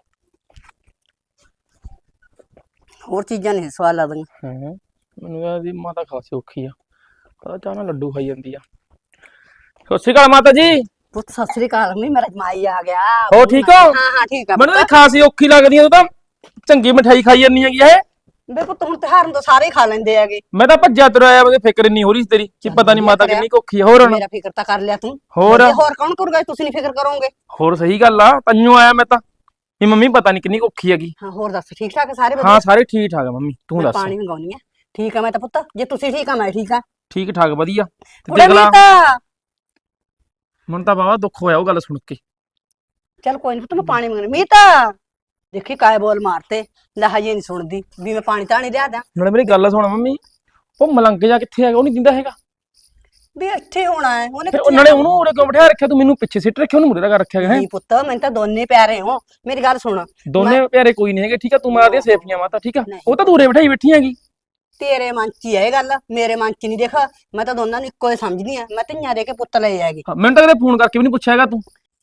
B: ਹੋਰ ਚੀਜ਼ਾਂ ਨਹੀਂ ਸਵਾਦ ਲੱਗਦੀਆਂ।
F: ਹਾਂ ਮੈਨੂੰ ਇਹਦੀ ਮਾਤਾ ਖਾਸੀ ਔਖੀ ਆ, ਪਤਾ ਚਾਹ ਨਾਲ ਲੱਡੂ ਖਾਈ ਜਾਂਦੀ ਆ। ਸਤਿ ਸ਼੍ਰੀ ਅਕਾਲ ਮਾਤਾ ਜੀ।
B: ਪੁੱਤ ਸਤਿ ਸ੍ਰੀ ਅਕਾਲ, ਨਹੀਂ ਮੇਰਾ ਜਮਾਈ ਆ ਗਿਆ।
F: ਹੋ ਠੀਕ ਹੋ?
B: ਹਾਂ ਹਾਂ ਠੀਕ ਆ
F: ਮੈਨੂੰ ਤਾਂ
B: ਪੁੱਤ।
F: ਖਾਸੀ ਔਖੀ ਲੱਗਦੀ ਆ, ਤੂੰ ਤਾਂ ਚੰਗੀ ਮਠਾਈ ਖਾਈ ਜਾਂਦੀ ਹੈਗੀ ਇਹ।
B: ਬੇ ਪੁੱਤ ਹੁਣ ਤਿਉਹਾਰ ਨੂੰ ਤਾਂ ਸਾਰੇ ਹੀ ਖਾ ਲੈਂਦੇ ਹੈਗੇ।
F: ਮੈਂ ਤਾਂ ਭੱਜਿਆ ਤੁਰਿਆ ਆਇਆ, ਮੈਨੂੰ ਫਿਕਰ ਨਹੀਂ ਹੋ ਰਹੀ ਸੀ ਤੇਰੀ ਕਿ ਪਤਾ ਨਹੀਂ ਮਾਤਾ ਕਿੰਨੀ ਕੁ ਔਖੀ ਆ। ਹੋਰ ਹੁਣ
B: ਮੇਰਾ ਫਿਕਰ ਤਾਂ ਕਰ ਲਿਆ ਤੂੰ,
F: ਹੋਰ
B: ਤੇ ਹੋਰ ਕੌਣ ਕਰੂਗਾ, ਤੁਸੀਂ ਨਹੀਂ ਫਿਕਰ ਕਰੋਗੇ।
F: ਹੋਰ ਸਹੀ ਗੱਲ ਆ, ਤੈਨੂੰ ਆਇਆ ਮੈਂ ਤਾਂ ਵੀ ਮੰਮੀ ਪਤਾ ਨਹੀਂ ਕਿੰਨੀ ਕੁ ਔਖੀ ਹੈਗੀ।
B: ਹਾਂ ਹੋਰ ਦੱਸ, ਠੀਕ ਠਾਕ ਆ ਸਾਰੇ ਵਧੀਆ?
F: ਹਾਂ ਸਾਰੇ ਠੀਕ ਠਾਕ ਆ ਮੰਮੀ, ਤੂੰ
B: ਮੈਂ
F: ਦੱਸ।
B: ਪਾਣੀ ਮੰਗਾਉਣੀ ਆ। ਠੀਕ ਆ ਮੈਂ ਤਾਂ ਪੁੱਤ, ਜੇ ਤੁਸੀਂ ਠੀਕ ਆ ਮੈਂ ਠੀਕ ਆ।
F: ਠੀਕ ਠਾਕ ਵਧੀਆ। ਤੇ
B: ਕੁੜੇ
F: ਦੇਖ ਲਾ,
B: ਮੀਤਾ,
F: ਮੈਨੂੰ ਤਾਂ ਬਾਵਾ ਦੁੱਖ ਹੋਇਆ ਉਹ ਗੱਲ ਸੁਣ ਕੇ।
B: ਚੱਲ ਕੋਈ ਨਹੀਂ ਪੁੱਤ, ਮੈਂ ਪਾਣੀ ਮੰਗਣੀ। ਮੀਤਾ ਦੇਖੀ ਕਾਏ ਬੋਲ ਮਾਰਤੇ, ਲੈ ਹਜੇ ਨਹੀਂ ਸੁਣਦੀ ਵੀ ਮੈਂ ਪਾਣੀ ਤਾਂ ਨਹੀਂ ਲਿਆ ਦਾਂ।
F: ਨਾਲੇ ਮੇਰੀ ਗੱਲ ਸੁਣ ਮੰਮੀ, ਉਹ ਮਲੰਗ ਜਾ ਕਿੱਥੇ ਹੈਗਾ, ਉਹ ਨਹੀਂ ਦਿੰਦਾ ਹੈਗਾ।
B: ਵੀ ਇੱਥੇ ਹੋਣਾ ਹੈ ਉਹਨੇ
F: ਫਿਰ
B: ਕਿੱਥੇ
F: ਨਾਲੇ
B: ਜਾਣਾ?
F: ਉਹਨੂੰ ਉਰੇ ਕਿਉਂ ਬਿਠਾ ਰੱਖਿਆ ਤੂੰ, ਮੈਨੂੰ ਪਿੱਛੇ ਸਿੱਟ ਰੱਖਿਆ, ਉਹਨੂੰ ਮੁਰੇ ਲਗਾ ਰੱਖਿਆ ਹੈ।
B: ਨਹੀਂ ਪੁੱਤ, ਮੈਨੂੰ ਤਾਂ ਦੋਨੇ ਪਿਆਰੇ ਹੋ, ਮੇਰੀ ਗੱਲ ਸੁਣ।
F: ਦੋਨੇ ਪਿਆਰੇ ਕੋਈ ਨਹੀਂ ਹੈਗੇ, ਠੀਕ ਆ, ਤੂੰ ਮਾਰਦੀਆਂ ਸੇਫੀਆਂ ਮਾਤਾ, ਠੀਕ ਆ।
B: ਨਹੀਂ।
F: ਉਹ ਤਾਂ ਦੂਰੇ ਬਿਠਾਈ ਬੈਠੀ ਹੈਗੀ।
B: ਤੇਰੇ ਮਨ 'ਚ ਹੀ ਹੈ ਇਹ ਗੱਲ, ਮੇਰੇ ਮਨ 'ਚ ਨਹੀਂ। ਦੇਖ ਮੈਂ ਤਾਂ ਦੋਨਾਂ ਨੂੰ ਇੱਕੋ ਹੀ ਸਮਝਦੀ ਆ, ਮੈਂ ਧੀਆਂ ਦੇ ਕੇ ਪੁੱਤ ਲਏ ਹੈਗੇ।
F: ਹਾਂ, ਮੈਨੂੰ ਤਾਂ ਕਦੇ ਫੋਨ ਕਰਕੇ ਵੀ ਨਹੀਂ ਪੁੱਛਿਆ ਹੈਗਾ ਤੂੰ।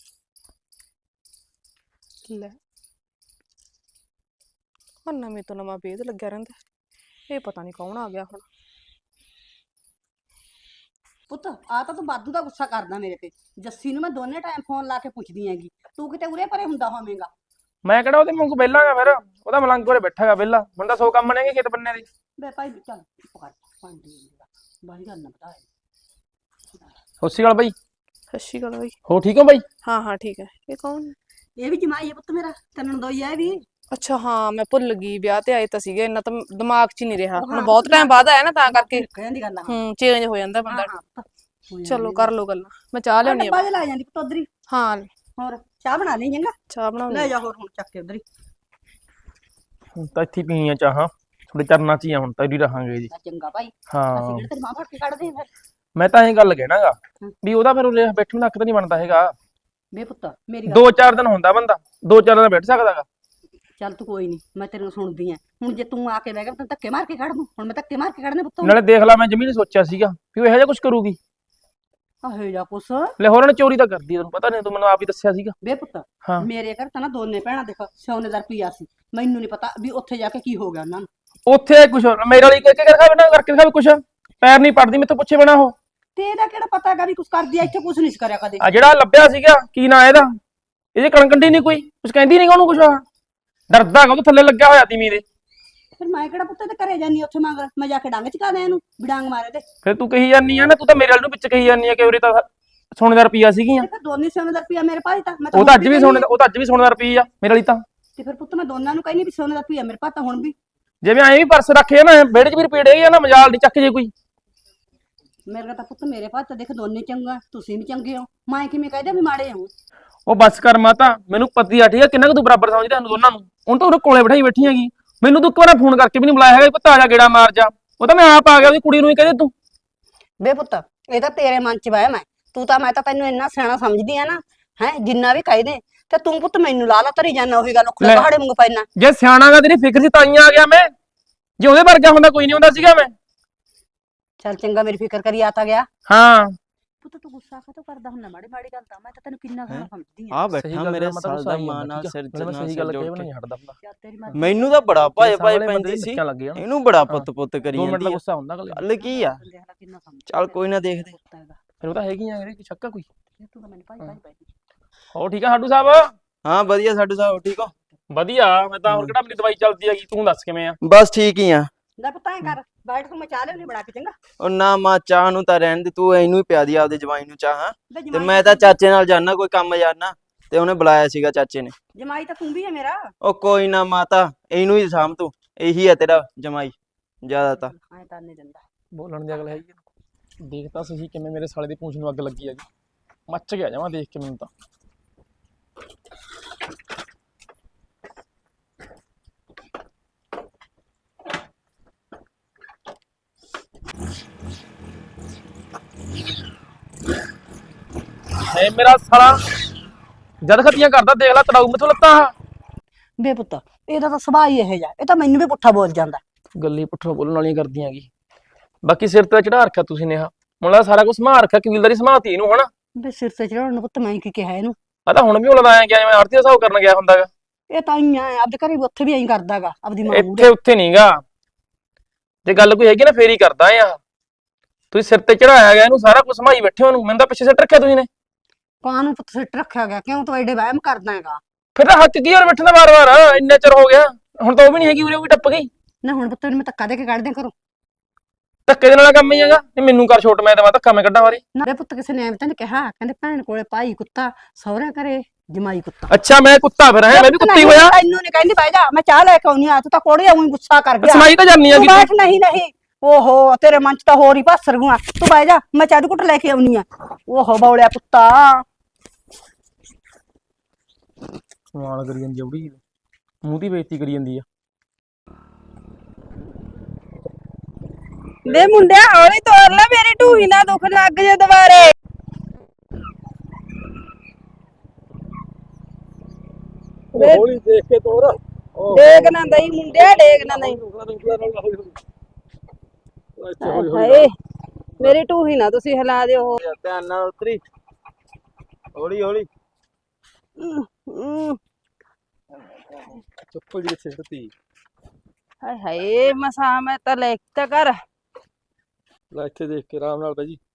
C: ਲੈ ਹੁਣ ਨਵੇਂ ਤੋਂ ਨਵਾਂ ਵੇਦ ਲੱਗਿਆ ਰਹਿੰਦਾ, ਇਹ ਪਤਾ ਨਹੀਂ ਕੌਣ ਆ ਗਿਆ ਹੁਣ।
B: ਪੁੱਤ ਆ ਤਾਂ ਤੂੰ ਵਾਧੂ ਦਾ ਗੁੱਸਾ ਕਰਦਾ ਮੇਰੇ ਤੇ। ਜੱਸੀ ਨੂੰ ਮੈਂ ਦੋਨੇ ਟਾਈਮ ਫੋਨ ਲਾ ਕੇ ਪੁੱਛਦੀ ਹੈਗੀ, ਤੂੰ ਕਿਤੇ ਉਰੇ ਪਰੇ ਹੁੰਦਾ ਹੋਵੇਂਗਾ।
F: ਮੈਂ ਕਿਹੜਾ ਉਹਦੇ ਮੂੰਹ ਵਿਹਲਾ ਗਾ, ਫਿਰ ਉਹਦਾ ਮਲੰਗ ਉਰੇ ਬੈਠਾ ਗਾ ਵਿਹਲਾ। ਮੈਨੂੰ ਤਾਂ ਸੌ ਕੰਮ ਨੇਗੇ ਖੇਤ ਬੰਨੇ ਦੇ।
B: ਬੇ ਭਾਈ ਚੱਲ ਚੁੱਪ ਕਰ, ਪਾਣੀ ਦੇ ਬਾਹਰ ਗੱਲ ਨਾ ਬਤਾ।
F: ਸਤਿ ਸ਼੍ਰੀ ਅਕਾਲ ਬਾਈ।
C: ਸਤਿ ਸ਼੍ਰੀ ਅਕਾਲ ਬਾਈ।
F: ਹੋ ਠੀਕ ਹੋ ਬਾਈ?
C: ਹਾਂ ਹਾਂ ਠੀਕ ਹੈ। ਇਹ ਕੌਣ?
B: ਇਹ ਵੀ ਜਮਾਈ ਹੈ ਪੁੱਤ ਮੇਰਾ, ਤੈਨੂੰ ਦੋਈ ਹੈ ਵੀ।
C: ਅੱਛਾ ਹਾਂ ਮੈਂ ਭੁੱਲ ਗਈ, ਵਿਆਹ ਤੇ ਆਏ ਤਾਂ ਸੀਗੇ, ਇੰਨਾ ਤਾਂ ਦਿਮਾਗ 'ਚ ਹੀ ਨਹੀਂ ਰਿਹਾ।
B: ਉਹ
C: ਹੁਣ
B: ਹਾਂ,
C: ਬਹੁਤ ਟਾਈਮ ਬਾਅਦ ਆਇਆ ਨਾ, ਤਾਂ ਕਰਕੇ
B: ਕਹਿਣ ਦੀ ਗੱਲ ਆ।
C: ਹੂੰ ਚੇਂਜ ਹੋ ਜਾਂਦਾ ਬੰਦਾ।
B: ਹਾਂ, ਹਾਂ, ਹੋ
C: ਚਲੋ
B: ਜਾਂਦੀ
C: ਕਰ ਲੋ ਗੱਲਾਂ, ਮੈਂ ਚਾਹ ਲਿਆਉਣੀ
B: ਡੱਬਾ
C: ਆ।
B: ਜਿਹਾ ਲਾ ਜਾਂਦੀ ਪੁੱਤ ਉਧਰ ਹੀ।
C: ਹਾਂ
B: ਹੋਰ ਚਾਹ ਬਣਾ ਲਈ ਚੰਗਾ,
C: ਚਾਹ ਬਣਾਉਣੀ
B: ਲੈ ਜਾ ਹੋਰ ਹੁਣ ਚੱਕ ਕੇ ਉਧਰ ਹੀ।
F: ਹੁਣ ਤਾਂ ਇੱਥੇ ਪੀਣੀਆਂ ਚਾਹਾਂ, ਥੋੜੇ ਚਰਨਾਂ 'ਚ ਹੀ ਆ ਹੁਣ ਤਾਂ ਹੀ ਰਹਾਂਗੇ ਜੀ।
B: ਲੈ ਚੰਗਾ ਭਾਈ, ਅਸੀਂ
F: ਹਾਂ
B: ਕਿਹੜੇ ਤੇਰੀ ਮਾਂ ਫੜ ਕੇ ਕੱਢਦੇ ਆ ਫਿਰ।
F: ਮੈਂ ਤਾਂ ਇਹ ਗੱਲ ਕਹਿਣਾਗਾ ਵੀ ਉਹਦਾ ਫਿਰ ਉਰੇ ਬੈਠਣ ਦਾ ਹੱਕ ਤਾਂ ਨਹੀਂ ਬਣਦਾ ਹੈਗਾ।
B: ਬੇ ਪੁੱਤ ਮੇਰੀ ਗੱਲ
F: ਦੋ ਚਾਰ ਦਿਨ ਹੁੰਦਾ ਬੰਦਾ, ਦੋ ਚਾਰ ਦਿਨ ਬੈਠ ਸਕਦਾਗਾ।
B: ਚੱਲ ਤੂੰ ਕੋਈ ਨਹੀਂ, ਮੈਂ ਤੇਰੇ ਨੂੰ ਸੁਣਦੀ ਆ। ਹੁਣ ਜੇ ਤੂੰ ਆ ਕੇ ਬਹਿ ਗਿਆ ਤਾਂ ਧੱਕੇ ਮਾਰ ਕੇ ਕੱਢ ਦੂੰ। ਹੁਣ ਮੈਂ ਧੱਕੇ ਮਾਰ ਕੇ ਕੱਢਨੇ ਪੁੱਤ?
F: ਨਾਲੇ ਦੇਖ ਲਾ, ਮੈਂ ਜਮੀ ਨੀ ਸੋਚਿਆ ਸੀਗਾ ਵੀ ਉਹ ਇਹੋ ਜਿਹਾ ਕੁਝ ਕਰੂਗੀ।
B: ਆਹੇ ਜਾ ਕੁਛ।
F: ਲੈ ਹੋਰ ਉਹਨੇ ਚੋਰੀ ਤਾਂ ਕਰਦੀ, ਤੈਨੂੰ ਪਤਾ ਨਹੀਂ, ਤੂੰ ਮੈਨੂੰ ਆਪ ਹੀ ਦੱਸਿਆ ਸੀਗਾ।
B: ਬੇ ਪੁੱਤ
F: ਹਾਂ
B: ਮੇਰੇ ਘਰ ਤਾਂ ਨਾ ਦੋਨੇ ਭੈਣਾਂ ਦੇਖ ਸੋਨੇ ਦਾ ਰੁਪਈਆ ਸੀ, ਮੈਨੂੰ ਨਹੀਂ ਪਤਾ ਵੀ ਉੱਥੇ ਜਾ ਕੇ ਕੀ ਹੋ ਗਿਆ ਉਹਨਾਂ ਨੂੰ।
F: ਉੱਥੇ ਕੁਛ ਮੇਰੇ ਵਾਲੀ ਕਰਕੇ ਦਿਖਾਵੇ ਨਾ, ਕਰਕੇ ਦਿਖਾਵੇ ਕੁਛ, ਪੈਰ ਨਹੀਂ ਪੜਦੀ ਮੈਥੋਂ ਪੁੱਛੇ ਬਿਨਾ ਉਹ।
B: ਤੇ ਇਹਦਾ ਕਿਹੜਾ ਪਤਾ ਹੈਗਾ ਵੀ ਕੁਛ ਕਰਦੀ ਆ, ਇੱਥੇ ਕੁਛ ਨਹੀਂ ਕਰਿਆ ਕਦੇ।
F: ਆ ਜਿਹੜਾ ਲੱਭਿਆ ਸੀਗਾ ਕੀ ਨਾਂ ਇਹਦਾ, ਇਹਦੇ ਕਣਕੰਡੀ ਨਹੀਂ ਕੋਈ ਕੁਛ ਕਹਿੰਦੀ ਨਹੀਂ ਉਹਨੂੰ ਕੁਛ, ਡਰਦਾ ਹੈਗਾ ਉਹ ਥੱਲੇ ਲੱਗਿਆ ਹੋਇਆ ਤੀ ਮੀਰੇ।
B: ਫਿਰ ਮੈਂ ਕਿਹੜਾ ਪੁੱਤ ਤੇ ਘਰੇ ਜਾਨੀ ਉੱਥੇ ਮੰਗ, ਮੈਂ ਜਾ ਕੇ ਡੰਗ ਚਕਾ ਦਿਆਂ ਇਹਨੂੰ, ਵੀ ਡੰਗ ਮਾਰੇ ਤੇ।
F: ਫਿਰ ਤੂੰ ਕਹੀ ਜਾਨੀ ਆ ਨਾ, ਤੂੰ ਤਾਂ ਮੇਰੇ ਵਾਲ ਨੂੰ ਵਿੱਚ ਕਹੀ ਜਾਨੀ ਆ ਕਿ ਉਰੇ ਤਾਂ ਸੋਨੇ ਦਾ ਰੁਪਈਆ ਸੀਗੀਆਂ।
B: ਤੇ ਫਿਰ ਦੋਨੇ ਸੋਨੇ ਦਾ ਰੁਪਈਆ ਮੇਰੇ ਭਾਈ ਤਾਂ ਮੈਂ
F: ਉਹ ਤਾਂ
B: ਹੁਣ
F: ਅੱਜ ਵੀ ਸੋਨੇ ਦਾ, ਉਹ ਤਾਂ ਅੱਜ ਵੀ ਸੋਨੇ ਦਾ ਰੁਪਈਆ ਮੇਰੇ ਵਾਲੀ ਤਾਂ।
B: ਤੇ ਫਿਰ ਪੁੱਤ ਮੈਂ ਦੋਨਾਂ ਨੂੰ ਕਹਿੰਦੀ ਵੀ ਸੋਨੇ ਦਾ ਰੁਪਈਆ ਮੇਰੇ ਭਾਈ ਤਾਂ ਹੁਣ ਵੀ।
F: ਜਿਵੇਂ ਐਂ ਵੀ ਪਰਸ ਰੱਖੇ ਨਾ ਵਿਹੜੇ 'ਚ ਵੀ ਰੁਪਈਏ ਹੈਗੇ ਆ ਨਾ, ਮਜਾਲ ਦੀ ਚੱਕ ਜੇ ਕੋਈ।
B: ਮੇਰੇ ਤਾਂ ਪੁੱਤ ਮੇਰੇ ਭਾਈ ਤਾਂ ਦੇਖ ਦੋਨੇ ਚੰਗਾ, ਤੁਸੀਂ ਵੀ ਚੰਗੇ ਹੋ, ਮੈਂ ਕਿਵੇਂ ਕਹਿ ਦਿਆਂ ਵੀ ਮਾੜੇ ਹੋ।
F: ਉਹ ਬੱਸ ਕਰ ਮਾਤਾ, ਮੈਨੂੰ ਪਤੀ ਆ ਠੀਕ ਆ ਕਿੰਨਾ ਕੁ ਤੂੰ ਬਰਾਬਰ ਸਮਝਦਾ ਸਾਨੂੰ ਦੋਨਾਂ ਨੂੰ। ਹੁਣ ਤਾਂ ਉਹਦੇ ਕੋਲੇ ਬਿਠਾਈ ਬੈਠੀ ਹੈਗੀ, ਮੈਨੂੰ ਤੂੰ ਇੱਕ ਵਾਰ ਫੋਨ ਕਰਕੇ ਵੀ ਨਹੀਂ ਬੁਲਾਇਆ ਹੈਗਾ, ਪੁੱਤ ਆ ਜਾ ਗੇੜਾ ਮਾਰ ਜਾ। ਉਹ ਤਾਂ ਮੈਂ ਆਪ ਆ ਗਿਆ, ਉਹਦੀ ਕੁੜੀ ਨੂੰ ਹੀ ਕਹਦੇ ਤੂੰ।
B: ਬੇ ਪੁੱਤ ਇਹ ਤਾਂ ਤੇਰੇ ਮਨ 'ਚ ਵਹਿਮ ਹੈ, ਤੂੰ ਤਾਂ, ਮੈਂ ਤਾਂ ਤੈਨੂੰ ਇੰਨਾ ਸਿਆਣਾ ਸਮਝਦੀ ਆ ਨਾ, ਹੈ ਜਿੰਨਾ ਵੀ ਕਹਿ ਦੇ, ਤੇ ਤੂੰ ਪੁੱਤ ਮੈਨੂੰ ਲਾ ਲਾ ਧਰੀ ਜਾਨਾ, ਉਹੀ ਗੱਲ ਉਖਲੇ ਪਹਾੜੇ ਵਾਂਗੂ ਪੈਣਾ।
F: ਜੇ ਸਿਆਣਾ ਗਾ ਤੇਰੀ ਫਿਕਰ ਸੀ ਤਾਂ ਹੀ ਆ ਗਿਆ ਮੈਂ, ਜੇ ਉਹਦੇ ਵਰਗਾ ਹੁੰਦਾ ਕੋਈ ਨਹੀਂ ਹੁੰਦਾ ਸੀਗਾ ਮੈਂ।
B: ਚੱਲ ਚੰਗਾ, ਮੇਰੀ ਫਿਕਰ ਕਰੀ ਆ ਤਾਂ ਗਿਆ।
F: ਹਾਂ
B: ਪੁੱਤ ਤੂੰ ਗੁੱਸਾ ਕਾਹਤੋਂ ਕਰਦਾ ਹੁੰਦਾ ਮਾੜੀ ਮਾੜੀ ਗੱਲ ਤਾਂ, ਮੈਂ ਤਾਂ ਤੈਨੂੰ ਕਿੰਨਾ
A: ਹੈਂ?
B: ਸੋਹਣਾ ਸਮਝਦੀ ਆ।
A: ਆ
F: ਸਹੀ
A: ਬੈਠਾ
F: ਗੱਲ
A: ਮੇਰੇ
F: ਆ, ਮੈਂ ਤਾਂ
A: ਸਾਲ ਦਾ
F: ਸਹੀ
A: ਮਾਂ
F: ਆ,
A: ਨਾਲ
F: ਠੀਕ ਆ।
A: ਸਿਰ
F: ਨਾਲੇ ਮੈਂ
A: ਨਾਲ
F: ਸਹੀ ਗੱਲ
A: ਸਿਰ
F: ਕਹੀ
A: ਜੋੜ
F: ਨਹੀਂ
A: ਕੇ।
F: ਹਟਦਾ ਹੁੰਦਾ।
B: ਚੱਲ ਤੇਰੀ ਮਰਜ਼ੀ।
A: ਮੈਨੂੰ ਤਾਂ ਬੜਾ ਭਾਏ ਭਾਏ
F: ਸਾਹਮਣੇ ਬੰਦੇ
A: ਪੈਂਦੀ
F: ਦੀ
A: ਸੀ,
F: ਨਿੱਕਾ ਲੱਗੇ ਨਾ,
A: ਇਹਨੂੰ ਬੜਾ
F: ਹਾਂ।
A: ਪੁੱਤ ਪੁੱਤ ਕਰੀ
F: ਦੋ ਮਿੰਟ ਦਾ
A: ਜਾਂਦੀ ਆ।
F: ਗੁੱਸਾ ਹੁੰਦਾ ਗੱਲ।
A: ਗੱਲ ਕੀ ਆ?
B: ਦੇਖ ਲੈ ਕਿੰਨਾ ਸਮਝਦਾ।
A: ਚੱਲ ਕੋਈ ਨਾ ਦੇਖਦੇ।
F: ਫਿਰ ਉਹ ਤਾਂ ਹੈਗੀ ਆ, ਕੋਈ ਸ਼ੱਕਾ ਕੋਈ।
B: ਤੂੰ ਤਾਂ ਮੈਨੂੰ ਭਾਈ ਭਾਈ ਭਾਈ।
F: ਹੋ ਠੀਕ ਆ ਸਾਡੂ ਸਾਹਿਬ?
A: ਹਾਂ ਵਧੀਆ ਸਾਡੂ ਸਾਹਿਬ, ਠੀਕ ਹੋ?
F: ਵਧੀਆ, ਮੈਂ ਤਾਂ ਹੋਰ ਕਿਹੜਾ ਮੇਰੀ ਦਵਾਈ ਚੱਲਦੀ ਹੈਗੀ, ਤੂੰ ਦੱਸ ਕਿਵੇਂ ਆ?
A: ਬਸ ਠੀਕ ਹੀ ਆ।
B: ਲੈ ਪੁੱਤ ਐਂ ਕਰ, ਬੈਠ ਤੂੰ, ਮੈਂ ਚਾਹ ਲਿਆਉਣੀ ਬਣਾ ਕੇ ਚੰਗਾ।
A: ਉਹ ਨਾ ਮਾਂ ਚਾਹ ਨੂੰ ਤਾਂ ਰਹਿਣ ਦੇ, ਤੂੰ ਇਹਨੂੰ ਹੀ ਪਿਆ ਦੀ ਆਪਦੇ ਜਵਾਈ ਨੂੰ ਚਾਹ। ਹਾਂ
B: ਬੇ
A: ਤੇ
B: ਜਮਾਈ
A: ਮੈਂ ਤਾਂ ਚਾਚੇ ਨਾਲ ਜਾਣਾ, ਕੋਈ ਕੰਮ ਜਾਣਾ, ਤੇ ਉਹਨੇ ਬੁਲਾਇਆ ਸੀਗਾ ਚਾਚੇ ਨੇ।
B: ਜਮਾਈ ਤਾਂ ਤੂੰ ਵੀ ਹੈ ਮੇਰਾ।
A: ਉਹ ਕੋਈ ਨਾ ਮਾਤਾ, ਇਹਨੂੰ ਹੀ ਸਾਂਭ ਤੂੰ, ਇਹੀ ਹੈ ਤੇਰਾ ਜਮਾਈ ਜ਼ਿਆਦਾ ਤਾਂ।
B: ਐਂ ਤਾਂ ਨਹੀਂ ਦਿੰਦਾ।
F: ਬੋਲਣ ਦੀ ਅਗਲ ਹੈਗੀ ਆ। ਦੇਖ ਤਾਂ ਸਹੀ ਕਿਵੇਂ ਮੇਰੇ ਸਾਲੇ ਦੀ ਪੂੰਛ ਨੂੰ ਅੱਗ ਲੱਗੀ ਹੈਗੀ, ਮੱਚ ਗਿਆ ਜਾਵਾਂ ਦੇਖ ਕੇ ਮੈਨੂੰ ਤਾਂ। ਹੈ ਮੇਰਾ ਸਾਲਾ ਜਦ ਖਤੀਆਂ ਕਰਦਾ ਦੇਖ ਲੈ ਤੜਾਊ ਮੈਥੋਂ ਲੱਤਾਂ ਆਹ।
B: ਬੇ ਪੁੱਤ ਇਹਦਾ ਤਾਂ ਸੁਭਾਅ ਹੀ ਇਹੋ ਜਿਹਾ, ਇਹ ਤਾਂ ਮੈਨੂੰ ਵੀ ਪੁੱਠਾ ਬੋਲ ਜਾਂਦਾ।
F: ਗੱਲੀ ਪੁੱਠੋਂ ਬੋਲਣ ਵਾਲੀਆਂ ਕਰਦੀਆਂ ਗੀ। ਬਾਕੀ ਸਿਰ ਤੇ ਚੜਾ ਰੱਖਿਆ ਤੁਸੀਂ ਨੇ, ਆ ਮੁੰਡਾ ਸਾਰਾ ਕੁਝ ਸੰਭਾਲ ਰੱਖਿਆ, ਕਬੀਲਦਾਰੀ ਸੰਭਾਲਤੀ ਇਹਨੂੰ ਹਨਾ।
B: ਬੇ ਸਿਰ ਤੇ ਚੜਾਉਣ ਨੂੰ ਪੁੱਤ ਮੈਂ ਕੀ ਕਿਹਾ ਇਹਨੂੰ?
F: ਆ ਤਾਂ ਹੁਣ ਵੀ ਉਲਦਾ ਆਇਆ ਗਿਆ ਜਿਵੇਂ ਆਰਤੀ ਦਾ ਹਿਸਾਬ ਕਰਨ ਗਿਆ ਹੁੰਦਾਗਾ।
B: ਇਹ ਤਾਂ ਹੀ ਆ ਆਪਦੇ ਘਰੇ ਵੀ ਉੱਥੇ ਵੀ ਐਂ ਕਰਦਾਗਾ ਆਪਦੀ ਮਾਂ ਨੂੰ।
F: ਇੱਥੇ ਉੱਥੇ ਨਹੀਂਗਾ, ਜੇ ਗੱਲ ਕੋਈ ਹੈਗੀ ਨਾ ਫੇਰ ਹੀ ਕਰਦਾ ਆ। ਤੁਸੀਂ ਸਿਰ ਤੇ ਚੜਾਇਆ ਗਿਆ ਇਹਨੂੰ, ਸਾਰਾ ਕੁਝ ਸੰਭਾਈ ਬੈਠੇ ਉਹਨੂੰ, ਮੈਨੂੰ ਤਾਂ ਪਿੱਛੇ ਸਿੱਟ ਰੱਖਿਆ ਤੁਸੀਂ ਨੇ।
B: ਕਾਂ ਨੂੰ ਪੁੱਤ ਸਿੱਟ ਰੱਖਿਆ ਗਿਆ, ਕਿਉਂ ਤੂੰ ਐਡੇ ਵਹਿਮ ਕਰਦਾ ਹੈਗਾ?
F: ਫਿਰ ਤਾਂ ਹੱਕ ਕੀ ਹੋਰ ਬੈਠਣਾ ਵਾਰ-ਵਾਰ, ਇੰਨਾ ਚਿਰ ਹੋ ਗਿਆ, ਹੁਣ ਤਾਂ ਉਹ ਵੀ ਨਹੀਂ ਹੈਗੀ, ਉਰੇ ਵੀ ਟੱਪ ਗਈ।
B: ਨਾ ਹੁਣ ਪੁੱਤ ਇਹਨੂੰ ਮੈਂ ਧੱਕਾ ਦੇ ਕੇ ਕੱਢ ਦਿਆਂ ਘਰੋਂ।
F: ਧੱਕੇ ਦੇ ਨਾਲ ਕੰਮ ਹੀ ਹੈਗਾ, ਇਹ ਮੈਨੂੰ ਕਰ ਛੋਟ, ਮੈਂ ਦੇਵਾਂ ਧੱਕਾ, ਮੈਂ ਕੱਢਾਂ ਵਾਰੀ।
B: ਨਾ ਬੇ ਪੁੱਤ ਕਿਸੇ ਨੇ ਐਵੇਂ ਤਾਂ ਨੀ ਕਿਹਾ, ਕਹਿੰਦੇ ਭੈਣ ਕੋਲੇ ਭਾਈ ਕੁੱਤਾ, ਸਹੁਰੇ ਘਰੇ ਜਮਾਈ ਕੁੱਤਾ।
F: ਅੱਛਾ ਮੈਂ ਕੁੱਤਾ ਫਿਰ ਹੈ, ਮੈਂ ਵੀ ਕੁੱਤੀ ਹੋਇਆ।
B: ਤੈਨੂੰ ਨਹੀਂ ਕਹਿੰਦੀ ਬਹਿ ਜਾ, ਮੈਂ ਚਾਹ ਲੈ ਕੇ ਆਉਣੀ ਆ, ਤੂੰ ਤਾਂ ਕੋੜੇ ਆਉਂ ਗੁੱਸਾ ਕਰ ਗਿਆ।
F: ਸਮਾਈ ਤਾਂ ਜਾਨੀ ਆ
B: ਤੂੰ ਬੈਠ। ਨਹੀਂ ਨਹੀਂ ਓਹੋ ਤੇਰੇ ਮਨ ਚ ਤਾਂ ਹੋਰ ਹੀ ਭਾਸਰ ਗੁਆ, ਤੂੰ ਬਹਿ ਜਾ, ਮੈਂ ਚਾਹ ਦੀ ਘੁੱਟ ਲੈ ਕੇ ਆਉਣੀ ਆ। ਓਹੋ ਬੌਲਿਆ ਪੁੱਤਾ।
F: ਸਵਾਲ ਕਰੀ ਜਾਂਦੀ ਜਉੜੀ, ਮੂੰਹ ਦੀ ਬੇਇੱਜ਼ਤੀ ਕਰੀ ਜਾਂਦੀ ਆ।
G: ਵੇ ਮੁੰਡਿਆ ਹੌਲੀ ਤੋਰ ਲੈ, ਮੇਰੀ ਢੂਹੀ ਨਾ ਦੁੱਖ ਲੱਗ ਜੇ ਦੁਬਾਰੇ।
E: ਹੌਲੀ ਦੇਖ ਕੇ ਤੋਰ।
G: ਡੇਗ ਨਾ ਦਈ ਮੁੰਡਿਆ, ਡੇਗ ਨਾ ਦਈ। ਹਾਏ ਮੇਰੀ ਢੂਹੀ ਨਾ ਤੁਸੀਂ ਹਿਲਾ ਦਿਓ।
A: ਧਿਆਨ ਨਾਲ ਉਤਰੀ, ਹੌਲੀ ਹੌਲੀ।
E: ਚੱਪਲ ਜੀ ਕਿੱਥੇ ਸਿੱਟੀ?
G: ਹਾਏ ਹਾਏ ਮਸਾ ਮੈਂ ਤਾਂ ਲੈ ਤਾਂ ਕਰ।
E: ਲੈ ਇੱਥੇ ਦੇਖ ਕੇ ਆਰਾਮ ਨਾਲ ਬਾਈ ਜੀ।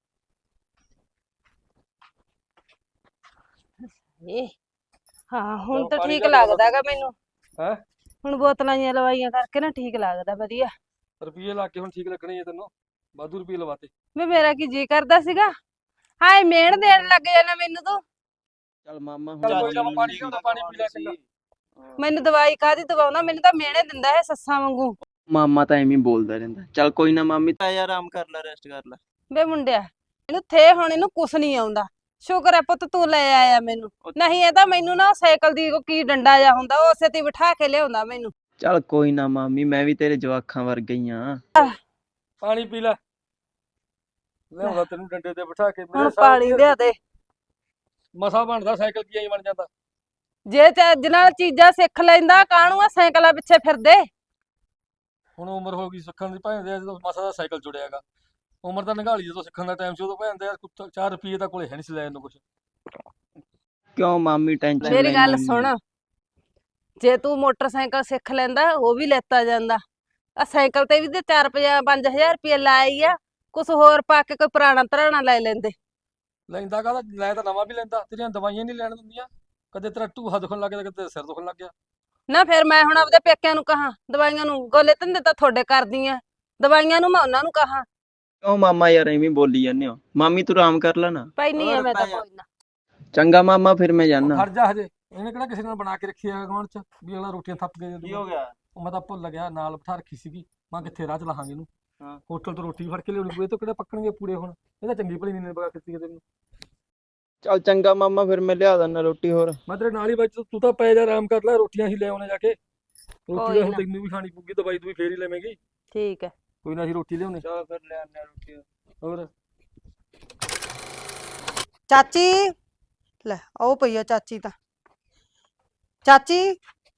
G: ਏ ਹਾਂ ਹੁਣ ਤਾਂ
E: ਪਾਣੀ
G: ਠੀਕ
E: ਦਾ
G: ਲੱਗਦਾਗਾ ਮੈਨੂੰ।
E: ਹੈ
G: ਹੁਣ ਬੋਤਲਾਂ ਜੀਆਂ ਲਵਾਈਆਂ ਕਰਕੇ ਨਾ ਠੀਕ ਲੱਗਦਾ ਵਧੀਆ।
E: ਰੁਪਈਏ ਲਾ ਕੇ ਹੁਣ ਠੀਕ ਲੱਗਣੇ ਆ ਤੈਨੂੰ, ਵਾਧੂ ਰੁਪਈਏ ਲਵਾਤੇ।
G: ਵੇ ਮੇਰਾ ਕੀ ਜੀ ਕਰਦਾ ਸੀਗਾ, ਹਾਏ ਮਿਹਣ ਦੇਣ ਲੱਗ ਜਾਣਾ ਮੈਨੂੰ ਤੂੰ।
A: ਚੱਲ ਮਾਮਾ
E: ਚੱਲ ਕੋਈ ਨਾ, ਪਾਣੀ ਲਿਆਉਂਦਾ, ਪਾਣੀ ਪੀ ਲੈ ਚੰਗਾ।
G: ਮੈਨੂੰ ਦਵਾਈ ਕਾਹਦੀ ਦਵਾਉਂਦਾ, ਮੈਨੂੰ ਤਾਂ ਮਿਹਣੇ ਦਿੰਦਾ ਹੈ ਸੱਸਾਂ ਵਾਂਗੂ।
A: ਮਾਮਾ ਤਾਂ ਐਵੇਂ ਹੀ ਬੋਲਦਾ ਰਹਿੰਦਾ। ਚੱਲ ਕੋਈ ਨਾ ਮਾਮੀ, ਤਾਂ ਯਾਰ ਆਰਾਮ ਕਰ ਲੈ, ਰੈਸਟ ਕਰ ਲੈ।
G: ਵੇ ਮੁੰਡਿਆ ਇਹਨੂੰ ਥੇ ਹੁਣ ਇਹਨੂੰ ਕੁਛ ਨਹੀਂ ਆਉਂਦਾ। ਸ਼ੁਕਰ ਹੈ ਪੁੱਤ ਤੂੰ ਲੈ ਆਇਆ ਮੈਨੂੰ, ਨਹੀਂ ਇਹ ਤਾਂ ਮੈਨੂੰ ਨਾ ਸਾਈਕਲ ਦੀ ਉਹ ਕੀ ਡੰਡਾ ਜਾ ਹੁੰਦਾ ਉਸੇ ਤੇ ਬਿਠਾ ਕੇ ਲਿਆਉਂਦਾ ਮੈਨੂੰ।
A: ਚੱਲ ਕੋਈ ਨਾ ਮਾਮੀ, ਮੈਂ ਵੀ ਤੇਰੇ ਜਵਾਖਾਂ ਵਰਗਾ ਹੀ ਆ।
E: ਪਾਣੀ ਪੀ ਲੈ, ਲਿਆਉਂਦਾ ਤੈਨੂੰ ਡੰਡੇ ਤੇ ਬਿਠਾ ਕੇ।
G: ਹੁਣ ਪਾਣੀ ਲਿਆ ਦੇ।
E: ਮਸਾ ਬਣਦਾ ਸਾਈਕਲ, ਕੀ ਐਂ ਬਣ ਜਾਂਦਾ।
G: ਜੇ ਚੱਜ ਨਾਲ ਚੀਜ਼ਾਂ ਸਿੱਖ ਲੈਂਦਾ ਕਾਹਨੂੰ ਆ ਸਾਈਕਲਾਂ ਪਿੱਛੇ ਫਿਰਦੇ।
E: ਹੁਣ ਉਮਰ ਹੋ ਗਈ ਸਿੱਖਣ ਦੀ, ਭਾਵੇਂ ਜਦੋਂ ਮਸਾ ਦਾ ਸਾਈਕਲ ਜੁੜਿਆਗਾ। ਉਮਰ ਤਾਂ ਨਿਗਾਲੀ, ਜਦੋਂ ਸਿੱਖਣ ਦਾ ਟਾਈਮ ਸੀ ਉਦੋਂ ਭੈਣ ਦੇ ਯਾਰ ਚਾਰ ਰੁਪਈਏ ਤਾਂ ਕੋਲੇ ਹੈ ਨਹੀਂ ਸੀ ਲੈਣ ਨੂੰ ਕੁਛ।
A: ਕਿਉਂ ਮਾਮੀ ਟੈਨਸ਼ਨ?
G: ਮੇਰੀ ਗੱਲ ਸੁਣ, ਜੇ ਤੂੰ ਮੋਟਰਸਾਈਕਲ ਸਿੱਖ ਲੈਂਦਾ ਉਹ ਵੀ ਲੈਤਾ ਜਾਂਦਾ। ਆ ਸਾਈਕਲ ਤੇ ਵੀ ਤੇ ਚਾਰ ਪੰਜ ਹਜ਼ਾਰ ਰੁਪਏ ਲਾਈ ਆ, ਕੁਛ ਹੋਰ ਪਾ ਕੇ ਕੋਈ ਪੁਰਾਣਾ ਧਰਾਣਾ ਲੈ ਲੈਂਦੇ।
E: ਲੈਂਦਾ ਕਾਹਦਾ, ਲੈ ਤਾਂ ਨਵਾਂ ਵੀ ਲੈਂਦਾ। ਤੇਰੀਆਂ ਦਵਾਈਆਂ ਨਹੀਂ ਲੈਣ ਦਿੰਦੀਆਂ, ਕਦੇ ਤੇਰਾ ਢੂਹਾ ਦੁਖਣ ਲੱਗ ਗਿਆ, ਕਦੇ ਸਿਰ ਦੁਖਣ ਲੱਗ ਗਿਆ।
G: ਨਾ ਫਿਰ ਮੈਂ ਹੁਣ ਆਪਦੇ ਪੇਕਿਆਂ ਨੂੰ ਕਹਾਂ ਦਵਾਈਆਂ ਨੂੰ? ਗੋਲੇ ਧੰਦੇ ਤਾਂ ਤੁਹਾਡੇ ਕਰਦੀ ਆ, ਦਵਾਈਆਂ ਨੂੰ ਮੈਂ ਉਹਨਾਂ ਨੂੰ ਕਹਾਂ?
A: ਕਿਉਂ ਮਾਮਾ ਯਾਰ ਐਵੇਂ ਬੋਲੀ ਜਾਂਦੇ ਹੋ? ਮਾਮੀ ਤੂੰ ਆਰਾਮ ਕਰ ਲੈ ਨਾ।
G: ਪਈ ਨਹੀਂ ਐ ਮੈਂ ਤਾਂ ਕੋਈ ਨਾ।
A: ਚੰਗਾ ਮਾਮਾ, ਫਿਰ ਮੈਂ ਜਾਣਾ।
E: ਖੜ ਜਾ ਹਜੇ, ਇਹਨੇ ਕਿਹੜਾ ਕਿਸੇ ਨਾਲ ਬਣਾ ਕੇ ਰੱਖੀ ਆ ਗਵਾਂਢ ਚ ਵੀ ਅਗਲਾ ਰੋਟੀਆਂ ਥੱਪ ਕੇ ਦੇ ਦੂਗਾ।
A: ਗਿਆ?
E: ਉਹ ਮੈਂ ਤਾਂ ਭੁੱਲ ਗਿਆ, ਨਾਲ ਬਿਠਾ ਰੱਖੀ ਸੀਗੀ। ਮੈਂ ਕਿੱਥੇ ਰਾਹ ਚ ਲਾਹਾਂਗੇ ਇਹਨੂੰ।
A: ਹਾਂ।
E: ਹੋਟਲ ਤੋਂ ਰੋਟੀ ਫੜ ਕੇ ਲਿਆਉਣੀ ਪਊ, ਇਹ ਤੋਂ ਕਿਹੜੇ ਪੱਕਣਗੇ ਪੂੜੇ ਹੁਣ। ਇਹ ਤਾਂ ਚੰਗੀ ਭਲੀ ਨਹੀਂ ਬਗਾ ਕੀਤੀ ਕਿਤੇ ਨੂੰ।
A: ਚੱਲ ਚੰਗਾ ਮਾਮਾ, ਫਿਰ ਮੈਂ ਲਿਆ ਦਿੰਦਾ ਰੋਟੀ। ਹੋਰ
E: ਮੈਂ ਤੇਰੇ ਨਾਲ ਹੀ ਬਾਈ, ਤੂੰ ਤਾਂ ਪੈ ਜਾ, ਆਰਾਮ ਕਰ ਲੈ, ਰੋਟੀਆਂ ਹੀ ਲੈ ਆਉਣੇ ਜਾ ਕੇ। ਰੋਟੀ
G: ਕੋਈ
E: ਤਾਂ ਹੁਣ
G: ਨਾ।
E: ਤੈਨੂੰ ਵੀ ਖਾਣੀ ਪਊਗੀ, ਦਵਾਈ ਤੂੰ ਵੀ ਫੇਰ ਹੀ ਲੈਵੇਂਗੀ।
G: ਠੀਕ ਹੈ
E: ਕੋਈ ਨਾ, ਅਸੀਂ ਰੋਟੀ ਲਿਆਉਣੇ।
A: ਚਲ ਫਿਰ ਲੈ ਆਉਂਦੇ ਰੋਟੀ।
E: ਹੋਰ
G: ਚਾਚੀ, ਲੈ ਆਓ ਪਈਆ ਚਾਚੀ ਤਾਂ। ਚਾਚੀ,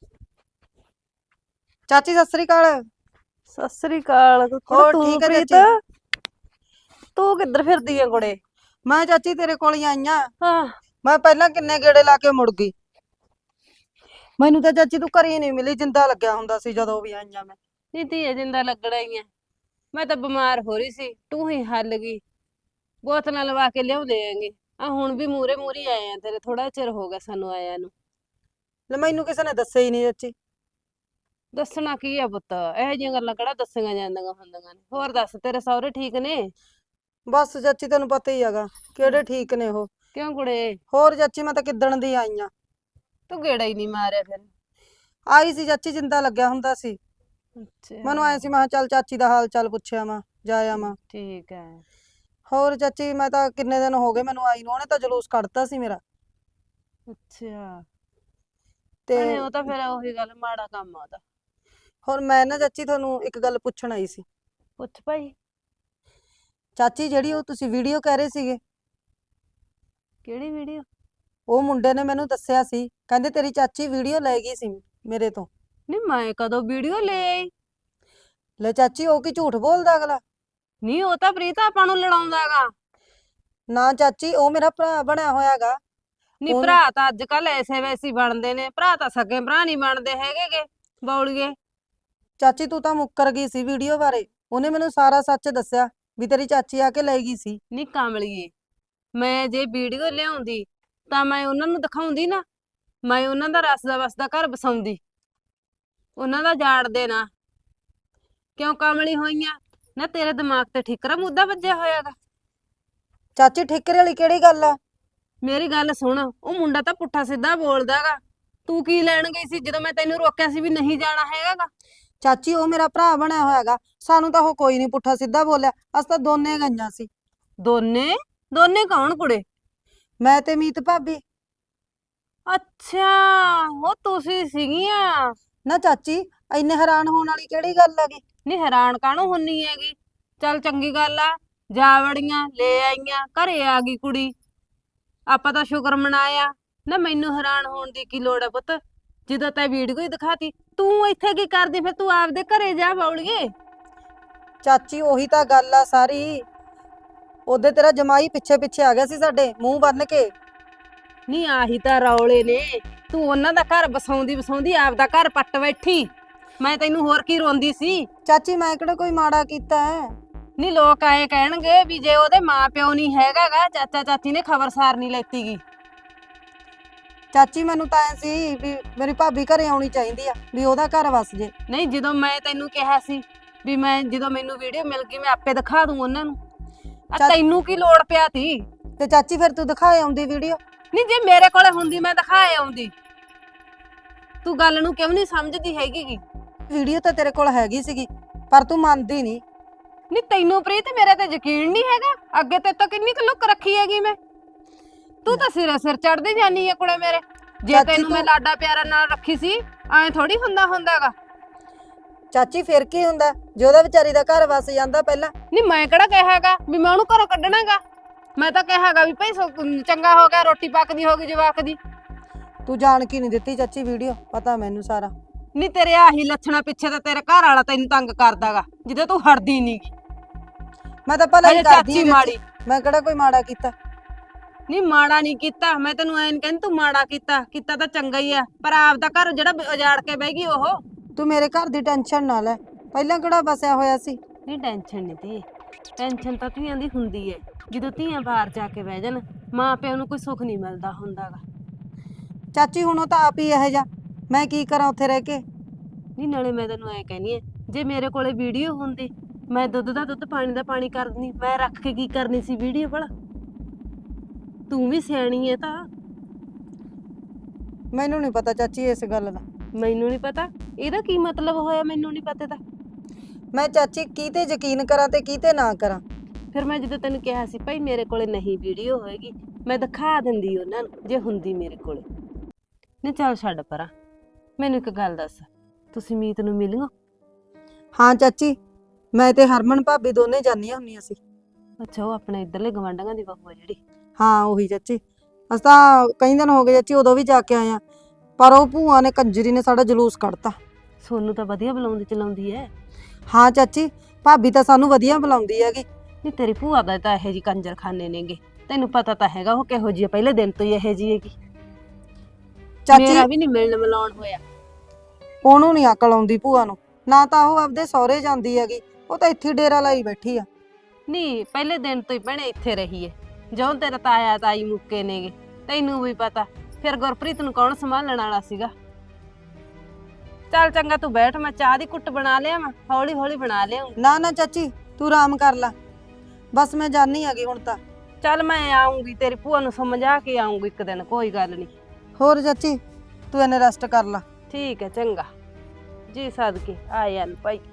G: ਚਾਚੀ ਸਤਿ ਸ੍ਰੀ ਅਕਾਲ। ਸਤਿ ਸ੍ਰੀ ਅਕਾਲ।
B: ਹੋਰ
G: ਤੂੰ
B: ਠੀਕ ਹੈ
G: ਪ੍ਰੀਤ?
B: ਚਾਚੀ?
G: ਤੂੰ ਕਿੱਧਰ ਫਿਰਦੀ ਆ ਕੁੜੇ?
B: ਮੈਂ ਚਾਚੀ ਤੇਰੇ ਕੋਲ ਹੀ ਆਈਆਂ।
G: ਹਾਂ
B: ਮੈਂ ਪਹਿਲਾਂ ਕਿੰਨੇ ਗੇੜੇ ਲਾ ਕੇ ਮੁੜ ਗਈ। ਮੈਨੂੰ ਤਾਂ ਚਾਚੀ ਤੂੰ ਘਰੇ ਨਹੀਂ ਮਿਲੀ, ਜਿੰਦਾ ਲੱਗਿਆ ਹੁੰਦਾ ਸੀ ਜਦੋਂ ਵੀ ਆਈਆਂ ਮੈਂ।
G: ਨੀ ਧੀਏ ਜਿੰਦਾ ਲੱਗਣਾ ਹੀ ਆ, ਮੈਂ ਤਾਂ ਬਿਮਾਰ ਹੋ ਰਹੀ ਸੀ, ਤੂੰ ਹੀ ਹੱਲ ਗਈ। ਬੋਤਲਾਂ ਲਵਾ ਕੇ ਲਿਆਉਂਦੇ ਆਂਗੇ। ਆ ਹੁਣ ਵੀ ਮੂਰੇ ਮੂਰੇ ਆਏ ਆ ਤੇਰੇ, ਥੋੜਾ ਚਿਰ ਹੋ ਗਿਆ ਸਾਨੂੰ ਆਇਆਂ ਨੂੰ।
B: ਲੈ ਮੈਨੂੰ ਕਿਸੇ ਨੇ ਦੱਸਿਆ ਹੀ ਨਹੀਂ ਚਾਚੀ।
G: ਦੱਸਣਾ ਕੀ ਆ ਪੁੱਤ, ਇਹੋ ਜਿਹੀਆਂ ਗੱਲਾਂ ਕਿਹੜਾ ਦੱਸੀਆਂ ਜਾਂਦੀਆਂ ਹੁੰਦੀਆਂ ਨੇ। ਹੋਰ ਦੱਸ, ਤੇਰੇ ਸਹੁਰੇ ਠੀਕ ਨੇ?
B: ਬਸ ਚਾਚੀ ਤੈਨੂੰ ਪਤਾ ਹੀ ਹੈਗਾ ਕਿਹੜੇ ਠੀਕ ਨੇ ਉਹ।
G: ਕਿਉਂ ਕੁੜੇ?
B: ਹੋਰ ਚਾਚੀ ਮੈਂ ਤਾਂ ਕਿੱਦਣ ਦੀ ਆਈਆਂ।
G: ਤੂੰ ਗੇੜਾ ਹੀ ਨਹੀਂ ਮਾਰਿਆ ਫਿਰ?
B: ਆਈ ਸੀ ਚਾਚੀ, ਜਿੰਦਾ ਲੱਗਿਆ ਹੁੰਦਾ ਸੀ।
G: ਅੱਛਾ
B: ਮੈਨੂੰ ਆਏ ਸੀ, ਮੈਂ ਕਿਹਾ ਚੱਲ ਚਾਚੀ ਦਾ ਹਾਲ ਚਾਲ ਪੁੱਛਿਆ ਮੈਂ, ਜਾ ਆਵਾਂ।
G: ਠੀਕ ਹੈ।
B: ਹੋਰ ਚਾਚੀ ਮੈਂ ਤਾਂ ਕਿੰਨੇ ਦਿਨ ਹੋ ਗਏ ਮੈਨੂੰ ਆਈ ਨੂੰ, ਉਹਨੇ ਤਾਂ ਜਲੂਸ ਕੱਢਤਾ ਸੀ ਮੇਰਾ।
G: ਅੱਛਾ
B: ਤੇ
G: ਭੈਣੇ, ਉਹ ਤਾਂ ਫਿਰ ਉਹੀ ਗੱਲ, ਮਾੜਾ ਕੰਮ ਆ ਉਹਦਾ।
B: ਹੋਰ ਮੈਂ ਨਾ ਚਾਚੀ ਤੁਹਾਨੂੰ ਇੱਕ ਗੱਲ ਪੁੱਛਣ ਆਈ ਸੀ।
G: ਪੁੱਛ ਭਾਈ।
B: ਚਾਚੀ ਜਿਹੜੀ ਉਹ ਤੁਸੀਂ ਵੀਡੀਓ ਕਹਿ ਰਹੇ ਸੀਗੇ,
G: ਕਿਹੜੀ ਵੀਡੀਓ?
H: ਉਹ ਮੁੰਡੇ ਨੇ ਮੈਨੂੰ ਦੱਸਿਆ ਸੀ, ਕਹਿੰਦੇ ਤੇਰੀ ਚਾਚੀ ਵੀਡੀਓ ਲੈ ਗਈ ਸੀ ਮੇਰੇ ਤੋਂ।
G: ਨਹੀਂ ਮੈਂ ਕਦੋਂ ਵੀਡੀਓ ਲੈ ਆਈ?
H: ਲੈ ਚਾਚੀ, ਉਹ ਕੀ ਝੂਠ ਬੋਲਦਾ ਅਗਲਾ?
G: ਨਹੀਂ ਉਹ ਤਾਂ ਪ੍ਰੀਤ ਆਪਾਂ ਨੂੰ ਲੜਾਉਂਦਾਗਾ।
H: ਨਾ ਚਾਚੀ, ਉਹ ਮੇਰਾ ਭਰਾ ਬਣਿਆ ਹੋਇਆਗਾ।
G: ਨਹੀਂ
H: ਉਹਨੂੰ-
G: ਭਰਾ ਤਾਂ ਅੱਜ ਕੱਲ ਐਸੇ ਵੈਸੇ ਹੀ ਬਣਦੇ ਨੇ, ਭਰਾ ਤਾਂ ਸਕੇ ਭਰਾ ਨਹੀਂ ਬਣਦੇ ਹੈਗੇਗੇ ਬੌਲੀਏ।
H: ਚਾਚੀ ਤੂੰ ਤਾਂ ਮੁੱਕਰ ਗਈ ਸੀ ਵੀਡੀਓ ਬਾਰੇ। ਉਹਨੇ ਮੈਨੂੰ ਸਾਰਾ ਸੱਚ ਦੱਸਿਆ ਵੀ ਤੇਰੀ ਚਾਚੀ ਆ ਕੇ ਲੈ ਗਈ ਸੀ।
G: ਨਹੀਂ ਕਾਮਲੀਏ, ਮੈਂ ਜੇ ਵੀਡੀਓ ਲਿਆਉਂਦੀ ਤਾਂ ਮੈਂ ਉਹਨਾਂ ਨੂੰ ਦਿਖਾਉਂਦੀ ਨਾ, ਮੈਂ ਉਹਨਾਂ ਦਾ ਰਸਦਾ ਵਸਦਾ ਘਰ ਬਸਾਉਂਦੀ, ਉਹਨਾਂ ਦਾ ਜਾੜ ਦੇਣਾ। ਕਿਉਂ ਕਾਮਲੀ ਹੋਈਆਂ ਨਾ? ਤੇਰੇ ਦਿਮਾਗ ਤੇ ਠਿਕਰਾ ਮੁੱਦਾ ਵੱਜਿਆ ਹੋਇਆਗਾ।
H: ਚਾਚੀ ਠਿਕਰੇ ਵਾਲੀ ਕਿਹੜੀ ਗੱਲ ਆ?
G: ਮੇਰੀ ਗੱਲ ਸੁਣ, ਉਹ ਮੁੰਡਾ ਤਾਂ ਪੁੱਠਾ ਸਿੱਧਾ ਬੋਲਦਾਗਾ। ਤੂੰ ਕੀ ਲੈਣ ਗਈ ਸੀ ਜਦੋਂ ਮੈਂ ਤੈਨੂੰ ਰੋਕਿਆ ਸੀ ਵੀ ਨਹੀਂ ਜਾਣਾ ਹੈਗਾਗਾ?
H: ਚਾਚੀ ਉਹ ਮੇਰਾ ਭਰਾ ਬਣਿਆ ਹੋਇਆਗਾ, ਸਾਨੂੰ ਤਾਂ ਉਹ ਕੋਈ ਨਹੀਂ ਪੁੱਠਾ ਸਿੱਧਾ ਬੋਲਿਆ। ਅਸੀਂ ਤਾਂ ਦੋਨੇ ਗਈਆਂ ਸੀ।
G: ਦੋਨੇ? ਦੋਨੇ ਕੌਣ ਕੁੜੇ?
H: ਮੈਂ ਤੇ ਮੀਤ ਭਾਬੀ।
G: ਅੱਛਾ, ਉਹ ਤੁਸੀਂ ਸੀਗੀਆਂ।
H: ਨਾ ਚਾਚੀ, ਇੰਨੇ ਹੈਰਾਨ ਹੋਣ ਵਾਲੀ ਕਿਹੜੀ ਗੱਲ ਹੈਗੀ?
G: ਨਹੀਂ ਹੈਰਾਨ ਕਾਹਨੂੰ ਹੁੰਨੀ ਹੈਗੀ? ਚੱਲ ਚੰਗੀ ਗੱਲ ਆ, ਜਾ ਵੜੀਆਂ, ਲੈ ਆਈਆਂ, ਘਰੇ ਆ ਗਈ ਕੁੜੀ, ਆਪਾਂ ਤਾਂ ਸ਼ੁਕਰ ਮਨਾਇਆ ਨਾ। ਮੈਨੂੰ ਹੈਰਾਨ ਹੋਣ ਦੀ ਕੀ ਲੋੜ ਹੈ ਪੁੱਤ, ਜਦੋਂ ਤੈਂ ਵੀਡੀਓ ਹੀ ਦਿਖਾਤੀ। ਤੂੰ ਇੱਥੇ ਕੀ ਕਰਦੀ ਫਿਰ? ਤੂੰ ਆਪਦੇ ਘਰੇ ਜਾ ਬੌਲੀਏ।
H: ਚਾਚੀ ਉਹੀ ਤਾਂ ਗੱਲ ਆ ਸਾਰੀ। ਉਹਦੇ ਤੇਰਾ ਜਮਾਈ ਪਿੱਛੇ ਪਿੱਛੇ ਆ ਗਿਆ ਸੀ ਸਾਡੇ, ਮੂੰਹ ਬੰਨ ਕੇ।
G: ਨਹੀਂ ਆਹੀ ਤਾਂ ਰੌਲੇ ਨੇ, ਤੂੰ ਉਹਨਾਂ ਦਾ ਘਰ ਬਸਾਉਂਦੀ ਬਸਾਉਂਦੀ ਆਪਦਾ ਘਰ ਪੱਟ ਬੈਠੀ। ਮੈਂ ਤੈਨੂੰ ਹੋਰ ਕੀ ਰੋਂਦੀ ਸੀ?
H: ਚਾਚੀ ਮੈਂ ਕਿਹੜਾ ਕੋਈ ਮਾੜਾ ਕੀਤਾ ਹੈ?
G: ਨਹੀਂ ਲੋਕ ਆਏ ਕਹਿਣਗੇ ਵੀ ਜੇ ਉਹਦੇ ਮਾਂ ਪਿਓ ਨਹੀਂ ਹੈਗਾਗਾ, ਚਾਚਾ ਚਾਚੀ ਨੇ ਖਬਰਸਾਰ ਨਹੀਂ ਲੈਤੀਗੀ।
H: ਚਾਚੀ ਮੈਨੂੰ ਤਾਂ ਐ ਸੀ ਵੀ ਮੇਰੀ ਭਾਬੀ ਘਰੇ ਆਉਣੀ ਚਾਹੀਦੀ ਆ, ਵੀ ਉਹਦਾ ਘਰ ਵਸ ਜੇ।
G: ਨਹੀਂ ਜਦੋਂ ਮੈਂ ਤੈਨੂੰ ਕਿਹਾ ਸੀ ਵੀ ਮੈਂ ਜਦੋਂ ਮੈਨੂੰ ਵੀਡੀਓ ਮਿਲ ਗਈ ਮੈਂ ਆਪੇ ਦਿਖਾ ਦੂੰ ਉਹਨਾਂ ਨੂੰ, ਆ
H: ਚੱਲ-
G: ਤੈਨੂੰ ਕੀ ਲੋੜ ਪਿਆ ਤੀ?
H: ਤੇ ਚਾਚੀ ਫਿਰ ਤੂੰ ਦਿਖਾਏ ਆਉਂਦੀ ਵੀਡੀਓ।
G: ਨਹੀਂ ਜੇ ਮੇਰੇ ਕੋਲੇ ਹੁੰਦੀ ਮੈਂ ਦਿਖਾਏ ਆਉਂਦੀ। ਤੂੰ ਗੱਲ ਨੂੰ ਕਿਉਂ ਨਹੀਂ ਸਮਝਦੀ ਹੈਗੀ?
H: ਵੀਡੀਓ ਤਾਂ ਤੇਰੇ ਕੋਲ ਹੈਗੀ ਸੀਗੀ, ਪਰ ਤੂੰ ਮੰਨਦੀ ਨਹੀਂ।
G: ਨਹੀਂ ਤੈਨੂੰ ਪ੍ਰੀਤ ਮੇਰੇ ਤੇ ਯਕੀਨ ਨਹੀਂ ਹੈਗਾ? ਅੱਗੇ ਤੇ ਤਾਂ ਕਿੰਨੀ ਕੁ ਲੁੱਕ ਰੱਖੀ ਹੈਗੀ ਮੈਂ। ਤੂੰ ਤਾਂ ਸਿਰੇ ਸਿਰ ਚੜਦੀ ਜਾਨੀ ਹੈ ਕੁੜੇ ਮੇਰੇ। ਜੇ
H: ਚਾਚੀ
G: ਤੈਨੂੰ ਮੈਂ
H: ਤੂੰ-
G: ਲਾਡਾ ਪਿਆਰਾ ਨਾਲ ਰੱਖੀ ਸੀ, ਐਂ ਥੋੜੀ ਹੁੰਦਾ ਹੁੰਦਾਗਾ।
H: ਚਾਚੀ ਫਿਰ ਕੀ ਹੁੰਦਾ ਜੇ ਉਹਦਾ ਵਿਚਾਰੀ ਦਾ ਘਰ ਵਸ ਜਾਂਦਾ ਪਹਿਲਾਂ?
G: ਨਹੀਂ ਮੈਂ ਕਿਹੜਾ ਕਿਹਾਗਾ ਵੀ ਮੈਂ ਉਹਨੂੰ ਘਰੋਂ ਕੱਢਣਾਗਾ। ਮੈਂ ਤਾਂ ਕਿਹਾਗਾ ਵੀ ਭਾਈ ਸੋ- ਚੰਗਾ ਹੋ ਗਿਆ, ਰੋਟੀ ਪੱਕਦੀ ਹੋ ਗਈ ਜਵਾਕ ਦੀ।
H: ਤੂੰ ਜਾਣ ਕੀ ਨਹੀਂ ਦਿੱਤੀ ਚਾਚੀ ਵੀਡੀਓ, ਪਤਾ ਮੈਨੂੰ ਸਾਰਾ।
G: ਨਹੀਂ ਤੇਰੇ ਆਹੀ ਲੱਛਣਾ ਪਿੱਛੇ ਤਾਂ ਤੇਰੇ ਘਰ ਵਾਲਾ ਤੈਨੂੰ ਤੰਗ ਕਰਦਾਗਾ, ਜਿੱਦੇ ਤੂੰ ਹਟਦੀ ਨਹੀਂਗੀ।
H: ਮੈਂ ਤਾਂ ਭਲਾ ਹੀ
G: ਹਜੇ
H: ਕਰਦੀ
G: ਚਾਚੀ
H: ਹਾਂ
G: ਮਾੜੀ।
H: ਚਾਚੀ, ਮੈਂ ਕਿਹੜਾ ਕੋਈ ਮਾੜਾ ਕੀਤਾ?
G: ਨਹੀਂ ਮਾੜਾ ਨਹੀਂ ਕੀਤਾ, ਮੈਂ ਤੈਨੂੰ ਐਂ ਨੀ ਕਹਿੰਦੀ ਤੂੰ ਮਾੜਾ ਕੀਤਾ, ਕੀਤਾ ਤਾਂ ਚੰਗਾ ਹੀ ਆ, ਪਰ ਆਪਦਾ ਘਰ ਜਿਹੜਾ ਉਜਾੜ ਕੇ ਬਹਿ ਗਈ ਉਹ।
H: ਤੂੰ ਮੇਰੇ ਘਰ ਦੀ ਟੈਨਸ਼ਨ ਨਾ ਲੈ, ਪਹਿਲਾਂ ਕਿਹੜਾ ਬਸਿਆ ਹੋਇਆ ਸੀ।
G: ਨਹੀਂ ਟੈਨਸ਼ਨ ਨਹੀਂ ਤੀ, ਟੈਨਸ਼ਨ ਤਾਂ ਧੀਆਂ ਦੀ ਹੁੰਦੀ ਏ। ਜਦੋਂ ਧੀਆਂ ਬਾਹਰ ਜਾ ਕੇ ਬਹਿ ਜਾਣ, ਮਾਂ ਪਿਓ ਨੂੰ ਕੋਈ ਸੁੱਖ ਨਹੀਂ ਮਿਲਦਾ ਹੁੰਦਾਗਾ।
H: ਚਾਚੀ ਹੁਣ ਉਹ ਤਾਂ ਆਪ ਹੀ ਇਹੋ ਜਿਹਾ, ਮੈਂ ਕੀ ਕਰਾਂ ਉੱਥੇ ਰਹਿ ਕੇ?
G: ਨਹੀਂ ਨਾਲੇ ਮੈਂ ਤੈਨੂੰ ਐਂ ਕਹਿੰਦੀ ਐ, ਜੇ ਮੇਰੇ ਕੋਲੇ ਵੀਡੀਓ ਹੁੰਦੀ ਮੈਂ ਦੁੱਧ ਦਾ ਦੁੱਧ ਪਾਣੀ ਦਾ ਪਾਣੀ ਕਰ ਦਿੰਦੀ। ਮੈਂ ਰੱਖ ਕੇ ਕੀ ਕਰਨੀ ਸੀ ਵੀਡੀਓ ਭਲਾ? ਤੂੰ ਵੀ ਸਿਆਣੀ ਐ ਤਾਂ।
H: ਮੈਨੂੰ ਨਹੀਂ ਪਤਾ ਚਾਚੀ ਇਸ ਗੱਲ ਦਾ।
G: ਮੈਨੂੰ ਨਹੀਂ ਪਤਾ ਇਹਦਾ ਕੀ ਮਤਲਬ ਹੋਇਆ? ਮੈਨੂੰ ਨਹੀਂ ਪਤਾ ਤਾਂ
H: ਮੈਂ ਚਾਚੀ ਕਿਤੇ ਯਕੀਨ ਕਰਾਂ ਤੇ ਕਿਤੇ ਨਾ ਕਰਾਂ।
G: ਫਿਰ ਮੈਂ ਜਦੋਂ ਤੈਨੂੰ ਕਿਹਾ ਸੀ ਭਾਈ ਮੇਰੇ ਕੋਲੇ ਨਹੀਂ ਵੀਡੀਓ ਹੋਏਗੀ, ਮੈਂ ਦਿਖਾ ਦਿੰਦੀ ਉਹਨਾਂ ਨੂੰ ਜੇ ਹੁੰਦੀ ਮੇਰੇ ਕੋਲੇ। ਨਹੀਂ ਚੱਲ ਛੱਡ ਪਰਾਂ, ਮੈਨੂੰ ਇੱਕ ਗੱਲ ਦੱਸ, ਤੁਸੀਂ ਮੀਤ ਨੂੰ ਮਿਲਿਓ?
H: ਹਾਂ ਚਾਚੀ, ਮੈਂ ਤੇ ਹਰਮਨ ਭਾਬੀ ਦੋਨੇ ਜਾਂਦੀਆਂ ਹੁੰਦੀਆਂ ਸੀ।
G: ਅੱਛਾ, ਉਹ ਆਪਣੇ ਇੱਧਰਲੇ ਗਵਾਂਢੀਆਂ ਦੀ ਬਹੂ ਆ ਜਿਹੜੀ?
H: ਹਾਂ ਉਹੀ ਚਾਚੀ, ਅਸੀਂ ਤਾਂ ਕਈ ਦਿਨ ਹੋ ਗਏ ਚਾਚੀ, ਉਦੋਂ ਵੀ ਜਾ ਕੇ ਆਏ ਆ, ਪਰ ਉਹ ਭੂਆ ਨੇ ਕੰਜਰੀ ਨੇ ਸਾਡਾ ਜਲੂਸ ਕੱਢਤਾ।
G: ਸੋਨੂੰ ਤਾਂ ਵਧੀਆ ਬੁਲਾਉਂਦੀ ਚਲਾਉਂਦੀ ਐ।
H: ਹਾਂ ਚਾਚੀ, ਭਾਬੀ ਤਾਂ ਸਾਨੂੰ ਵਧੀਆ ਬੁਲਾਉਂਦੀ ਹੈਗੀ।
G: ਨਹੀਂ ਤੇਰੀ ਭੂਆ ਦਾ ਤਾਂ ਇਹੋ ਜਿਹੀ ਕੰਜਰਖਾਨੇ ਨੇਗੇ, ਤੈਨੂੰ ਪਤਾ ਤਾਂ ਹੈਗਾ ਉਹ ਕਿਹੋ ਜਿਹੀ ਆ, ਪਹਿਲੇ ਦਿਨ ਤੋਂ ਹੀ ਇਹੋ ਜਿਹੀ ਹੈਗੀ।
H: ਚਾਚੀ
G: ਮੇਰਾ ਵੀ ਨਹੀਂ ਮਿਲਣ ਮਿਲਾਉਣ ਹੋਇਆ।
H: ਉਹਨੂੰ ਨਹੀਂ ਅਕਲ ਆਉਂਦੀ ਭੂਆ ਨੂੰ, ਨਾ ਤਾਂ ਉਹ ਆਪਦੇ ਸਹੁਰੇ ਜਾਂਦੀ ਹੈਗੀ, ਉਹ ਤਾਂ ਇੱਥੇ ਡੇਰਾ ਲਾਈ ਬੈਠੀ ਆ।
G: ਨਹੀਂ ਪਹਿਲੇ ਦਿਨ ਤੋਂ ਹੀ ਭੈਣੇ ਇੱਥੇ ਰਹੀ ਏ, ਜਦੋਂ ਤੇਰਾ ਤਾਇਆ ਤਾਈ ਮੁੱਕੇ ਨੇਗੇ ਤੈਨੂੰ ਵੀ ਪਤਾ, ਫਿਰ ਗੁਰਪ੍ਰੀਤ ਨੂੰ ਕੌਣ ਸੰਭਾਲਣ ਵਾਲਾ ਸੀਗਾ। ਚੱਲ ਚੰਗਾ ਤੂੰ ਬੈਠ, ਮੈਂ ਚਾਹ ਦੀ ਕੁੱਟ ਬਣਾ ਲਿਆ, ਮੈਂ ਹੌਲੀ ਹੌਲੀ ਬਣਾ ਲਿਆ।
H: ਨਾ ਨਾ ਚਾਚੀ ਤੂੰ ਆਰਾਮ ਕਰ ਲੈ, ਬਸ ਮੈਂ ਜਾਣੀ ਹੈਗੀ ਹੁਣ ਤਾਂ।
G: ਚੱਲ ਮੈਂ ਆਉਂਗੀ, ਤੇਰੀ ਭੂਆ ਨੂੰ ਸਮਝਾ ਕੇ ਆਉਂਗੀ ਇੱਕ ਦਿਨ, ਕੋਈ ਗੱਲ ਨਹੀਂ।
H: ਹੋਰ ਚਾਚੀ ਤੂੰ ਇਹਨੇ ਰੈਸਟ ਕਰ ਲੈ।
G: ਠੀਕ ਹੈ ਚੰਗਾ ਜੀ, ਸਦਕੇ ਆਇਆ ਨ ਭਾਈ।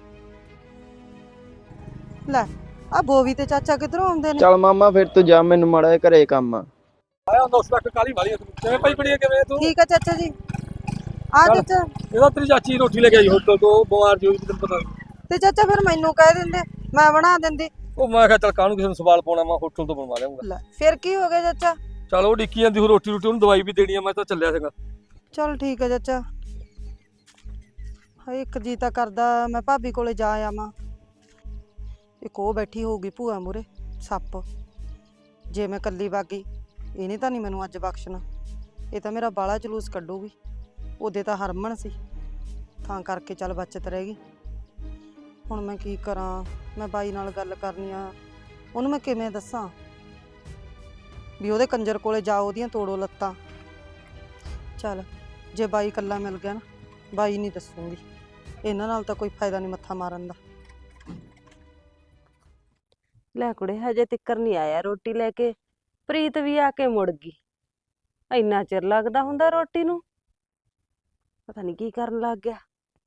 H: ਲੈ ਆ ਬੋਵੀ ਤੇ ਚਾਚਾ ਕਿੱਧਰੋਂ ਆਉਂਦੇ ਨੇ?
A: ਚੱਲ ਮਾਮਾ ਫਿਰ ਤੂੰ ਜਾ, ਮੈਨੂੰ ਮਾੜਾ ਜਿਹਾ ਘਰੇ ਕੰਮ ਆ।
E: ਆਇਆ ਦੋਸਤ ਲੱਖ ਕਾਲੀ ਵਾਲੀ ਕਿਵੇਂ ਭਾਈ ਬੜੀ ਕਿਵੇਂ ਤੂੰ?
H: ਠੀਕ ਆ ਚਾਚਾ ਜੀ। ਆ
E: ਚੱਲ।
H: ਚਾਚਾ,
E: ਇਹਦਾ ਤੇਰੀ ਚਾਚੀ ਰੋਟੀ ਲੈ ਕੇ ਆਈ ਹੋਟਲ ਤੋਂ, ਬਿਮਾਰ ਜੀ ਹੋਈ ਤੈਨੂੰ ਪਤਾ।
H: ਤੇ ਚਾਚਾ ਫਿਰ ਮੈਨੂੰ ਕਹਿ ਦਿੰਦੇ, ਮੈਂ ਬਣਾ ਦਿੰਦੀ।
E: ਉਹ ਮੈਂ ਕਿਹਾ ਚੱਲ ਕਾਹਨੂੰ ਕਿਸੇ ਨੂੰ ਸਵਾਲ ਪਾਉਣਾ, ਮੈਂ ਹੋਟਲ ਤੋਂ ਬਣਵਾ ਲਿਆਉਂਗਾ।
H: ਲੈ ਫਿਰ ਕੀ ਹੋ ਗਿਆ ਚਾਚਾ?
E: ਚਲ ਉਹ ਡਿੱਕੀ ਜਾਂਦੀ ਹੋ ਰੋਟੀ ਰੋਟੀ ਉਹਨੂੰ ਦਵਾਈ ਵੀ ਦੇਣੀ ਆ ਮੈਂ ਤਾਂ ਚੱਲਿਆ ਸੀਗਾ।
H: ਚਲ ਠੀਕ ਹੈ ਚਾਚਾ। ਹਾਏ ਇੱਕ ਜੀ ਤਾਂ ਕਰਦਾ ਮੈਂ ਭਾਬੀ ਕੋਲੇ ਜਾ ਆਵਾਂ। ਇੱਕ ਉਹ ਬੈਠੀ ਹੋਊਗੀ ਭੂਆ ਮੂਰੇ ਸੱਪ। ਜੇ ਮੈਂ ਕੱਲੀ ਬਾਗੀ ਇਹਨੇ ਤਾਂ ਨਹੀਂ ਮੈਨੂੰ ਅੱਜ ਬਖਸ਼ਣਾ। ਇਹ ਤਾਂ ਮੇਰਾ ਬਾਲਾ ਜਲੂਸ ਕੱਢੂਗੀ। ਉਹਦੇ ਤਾਂ ਹਰਮਨ ਸੀ ਤਾਂ ਕਰਕੇ ਚੱਲ ਬਚਤ ਰਹਿ ਗਈ। ਹੁਣ ਮੈਂ ਕੀ ਕਰਾਂ? ਮੈਂ ਬਾਈ ਨਾਲ ਗੱਲ ਕਰਨੀ ਆ, ਉਹਨੂੰ ਮੈਂ ਕਿਵੇਂ ਦੱਸਾਂ ਵੀ ਉਹਦੇ ਕੰਜਰ ਕੋਲੇ ਜਾਓ ਉਹਦੀਆਂ ਤੋੜੋ ਲੱਤਾਂ। ਚੱਲ ਜੇ ਬਾਈ ਇਕੱਲਾ ਮਿਲ ਗਿਆ ਨਾ ਬਾਈ ਨਹੀਂ ਦੱਸੂਗੀ। ਇਹਨਾਂ ਨਾਲ ਤਾਂ ਕੋਈ ਫਾਇਦਾ ਨਹੀਂ ਮੱਥਾ ਮਾਰਨ ਦਾ।
G: ਲੈ ਕੁੜੇ ਹਜੇ ਤਿੱਕਰ ਨਹੀਂ ਆਇਆ ਰੋਟੀ ਲੈ ਕੇ। ਪ੍ਰੀਤ ਵੀ ਆ ਕੇ ਮੁੜ ਗਈ। ਇੰਨਾ ਚਿਰ ਲੱਗਦਾ ਹੁੰਦਾ ਰੋਟੀ ਨੂੰ, ਪਤਾ ਨਹੀਂ ਕੀ ਕਰਨ ਲੱਗ ਗਿਆ।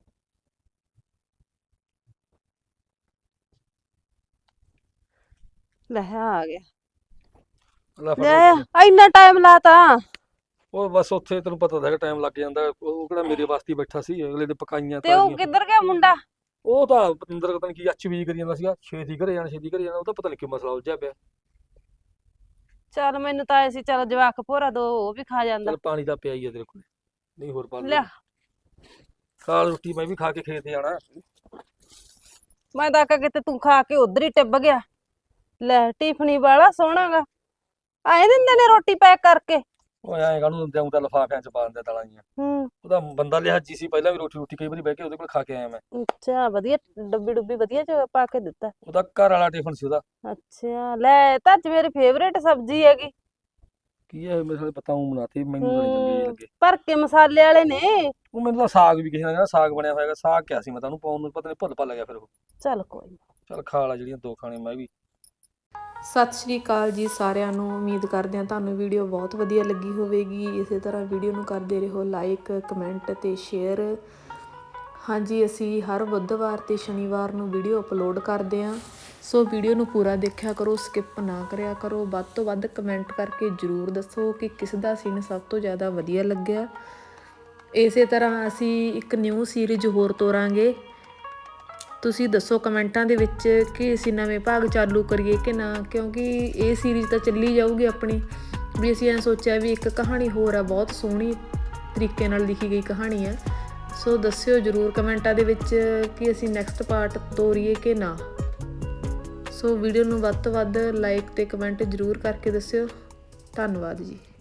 G: ਲੈ ਆ ਗਿਆ।
E: ਲੈ ਫੜ
G: ਲੈ
E: ਰੋਟੀ।
G: ਇੰਨਾ ਟਾਈਮ ਲਾਤਾ।
E: ਉਹ ਬਸ ਉੱਥੇ ਤੈਨੂੰ ਪਤਾ ਤਾਂ ਹੈਗਾ ਟਾਈਮ ਲੱਗ ਜਾਂਦਾ। ਉਹ ਕਿਹੜਾ ਮੇਰੇ ਵਾਸਤੇ ਹੀ ਬੈਠਾ ਸੀ, ਅਗਲੇ ਦੇ ਪਕਾਈਆਂ
G: ਤੇ ਉਹ
E: ਤਾਜ਼ੀਆਂ।
G: ਕਿੱਧਰ ਗਿਆ ਮੁੰਡਾ?
E: ਉਹ ਤਾਂ ਪਤੰਦਰ ਪਤਾ ਨੀ ਕੀ ਅੱਛ ਵੀ ਕਰੀ ਜਾਂਦਾ ਸੀਗਾ, ਛੇਤੀ ਘਰੇ ਜਾਣਾ ਛੇਤੀ ਘਰੇ ਜਾਣਾ। ਉਹ ਤਾਂ ਪਤਾ ਨੀ ਕੀ ਮਸਲਾ ਉਲਝਿਆ ਪਿਆ।
G: ਚੱਲ ਮੈਨੂੰ ਤਾਂ ਐ ਸੀ ਚੱਲ ਜਵਾਕ ਭੋਰਾ ਦੋ ਉਹ ਵੀ ਖਾ ਜਾਂਦਾ।
E: ਚੱਲ ਪਾਣੀ ਤਾਂ ਪਿਆ ਹੀ ਆ ਤੇਰੇ ਕੋਲ, ਨਹੀਂ ਹੋਰ ਪਾ
G: ਲਿਆ।
E: ਖਾ ਰੋਟੀ, ਮੈਂ ਵੀ ਖਾ ਕੇ ਖੇਤ ਜਾਣਾ।
G: ਮੈਂ ਤਾਂ ਆਖਿਆ ਕਿਤੇ ਤੂੰ ਖਾ ਕੇ ਉਧਰ ਹੀ ਟਿੱਬ ਗਿਆ। ਲੈ ਟਿਫਨੀ ਵਾਲਾ ਸੋਹਣਾਗਾ, ਆਏ ਦਿੰਦੇ ਨੇ ਰੋਟੀ ਪੈਕ ਕਰਕੇ।
E: ਉਹ ਐਂ ਕਾਹਨੂੰ ਦਿੰਦੇ, ਊਂ ਤਾਂ ਲਿਫਾਫਿਆਂ ਚ ਪਾ ਦਿੰਦੇ ਦਾਲਾਂ ਜੀਆਂ।
G: ਹੂੰ
E: ਉਹਦਾ ਬੰਦਾ ਲਿਹਾਜੀ ਸੀ, ਪਹਿਲਾਂ ਵੀ ਰੋਟੀ ਰੋਟੀ ਕਈ ਵਾਰੀ ਬਹਿ ਕੇ ਉਹਦੇ ਕੋਲ ਖਾ ਕੇ ਆਇਆ ਮੈਂ।
G: ਅੱਛਾ ਵਧੀਆ ਡੱਬੀ ਡੁੱਬੀ ਵਧੀਆ ਚ ਪਾ ਕੇ ਦਿੱਤਾ।
E: ਉਹਦਾ ਘਰ ਵਾਲਾ ਟਿਫਨ ਸੀ ਉਹਦਾ।
G: ਅੱਛਾ ਲੈ ਤਾਂ ਅੱਜ ਮੇਰੀ ਫੇਵਰੇਟ ਸਬਜ਼ੀ ਹੈਗੀ।
E: ਕੀ ਹੈ ਮੇਰੇ ਨਾਲ ਪਤਾ ਉਹ ਬਣਾਤੀ, ਮੈਨੂੰ ਤਾਂ ਨੀ ਚੰਗੀ ਜਿਹੀ ਲੱਗੇ।
G: ਭਰ ਕੇ ਮਸਾਲੇ ਵਾਲੇ ਨੇ।
E: ਉਹ ਮੈਨੂੰ ਤਾਂ ਸਾਗ ਵੀ ਕਿਸੇ ਨੇ ਕਹਿੰਦਾ ਸਾਗ ਬਣਿਆ ਹੋਇਆ ਹੈਗਾ। ਸਾਗ ਕਿਹਾ ਸੀ ਮੈਂ ਤਾਂ ਉਹਨੂੰ ਪਾਉਣ ਨੂੰ, ਪਤਾ ਨਹੀਂ ਭੁੱਲ ਭੱਲ ਗਿਆ ਫਿਰ ਉਹ।
G: ਚੱਲ ਕੋਈ ਨੀ।
E: ਚੱਲ ਖਾ ਲਾ ਜਿਹੜੀਆਂ ਦੋ ਖਾਣੇ ਮੈਂ ਵੀ।
C: ਸਤਿ ਸ਼੍ਰੀ ਅਕਾਲ ਜੀ ਸਾਰਿਆਂ ਨੂੰ। ਉਮੀਦ ਕਰਦੇ ਹਾਂ ਤੁਹਾਨੂੰ ਵੀਡੀਓ ਬਹੁਤ ਵਧੀਆ ਲੱਗੀ ਹੋਵੇਗੀ। ਇਸੇ ਤਰ੍ਹਾਂ ਵੀਡੀਓ ਨੂੰ ਕਰਦੇ ਰਹੋ ਲਾਈਕ, ਕਮੈਂਟ ਤੇ ਸ਼ੇਅਰ। ਹਾਂਜੀ ਅਸੀਂ ਹਰ ਬੁੱਧਵਾਰ ਤੇ ਸ਼ਨੀਵਾਰ ਨੂੰ ਵੀਡੀਓ ਅਪਲੋਡ ਕਰਦੇ ਹਾਂ, ਸੋ ਵੀਡੀਓ ਨੂੰ ਪੂਰਾ ਦੇਖਿਆ ਕਰੋ, ਸਕਿਪ ਨਾ ਕਰਿਆ ਕਰੋ। ਵੱਧ ਤੋਂ ਵੱਧ ਕਮੈਂਟ ਕਰਕੇ ਜ਼ਰੂਰ ਦੱਸੋ ਕਿ ਕਿਸ ਦਾ ਸੀਨ ਸਭ ਤੋਂ ਜ਼ਿਆਦਾ ਵਧੀਆ ਲੱਗਿਆ। ਇਸੇ ਤਰ੍ਹਾਂ ਅਸੀਂ ਇੱਕ ਨਿਊ ਸੀਰੀਜ਼ ਹੋਰ ਤੋਰਾਂਗੇ। ਤੁਸੀਂ ਦੱਸੋ ਕਮੈਂਟਾਂ ਦੇ ਵਿੱਚ ਕਿ ਅਸੀਂ ਨਵੇਂ ਭਾਗ ਚਾਲੂ ਕਰੀਏ ਕਿ ਨਾ, ਕਿਉਂਕਿ ਇਹ ਸੀਰੀਜ਼ ਤਾਂ ਚੱਲੀ ਜਾਊਗੀ ਆਪਣੀ। ਵੀ ਅਸੀਂ ਐਂ ਸੋਚਿਆ ਵੀ ਇੱਕ ਕਹਾਣੀ ਹੋਰ ਆ, ਬਹੁਤ ਸੋਹਣੀ ਤਰੀਕੇ ਨਾਲ ਲਿਖੀ ਗਈ ਕਹਾਣੀ ਹੈ। ਸੋ ਦੱਸਿਓ ਜ਼ਰੂਰ ਕਮੈਂਟਾਂ ਦੇ ਵਿੱਚ ਕਿ ਅਸੀਂ ਨੈਕਸਟ ਪਾਰਟ ਤੋਰੀਏ ਕਿ ਨਾ। ਸੋ ਵੀਡੀਓ ਨੂੰ ਵੱਧ ਤੋਂ ਵੱਧ ਲਾਈਕ ਤੇ ਕਮੈਂਟ ਜ਼ਰੂਰ ਕਰਕੇ ਦੱਸਿਓ। ਧੰਨਵਾਦ ਜੀ।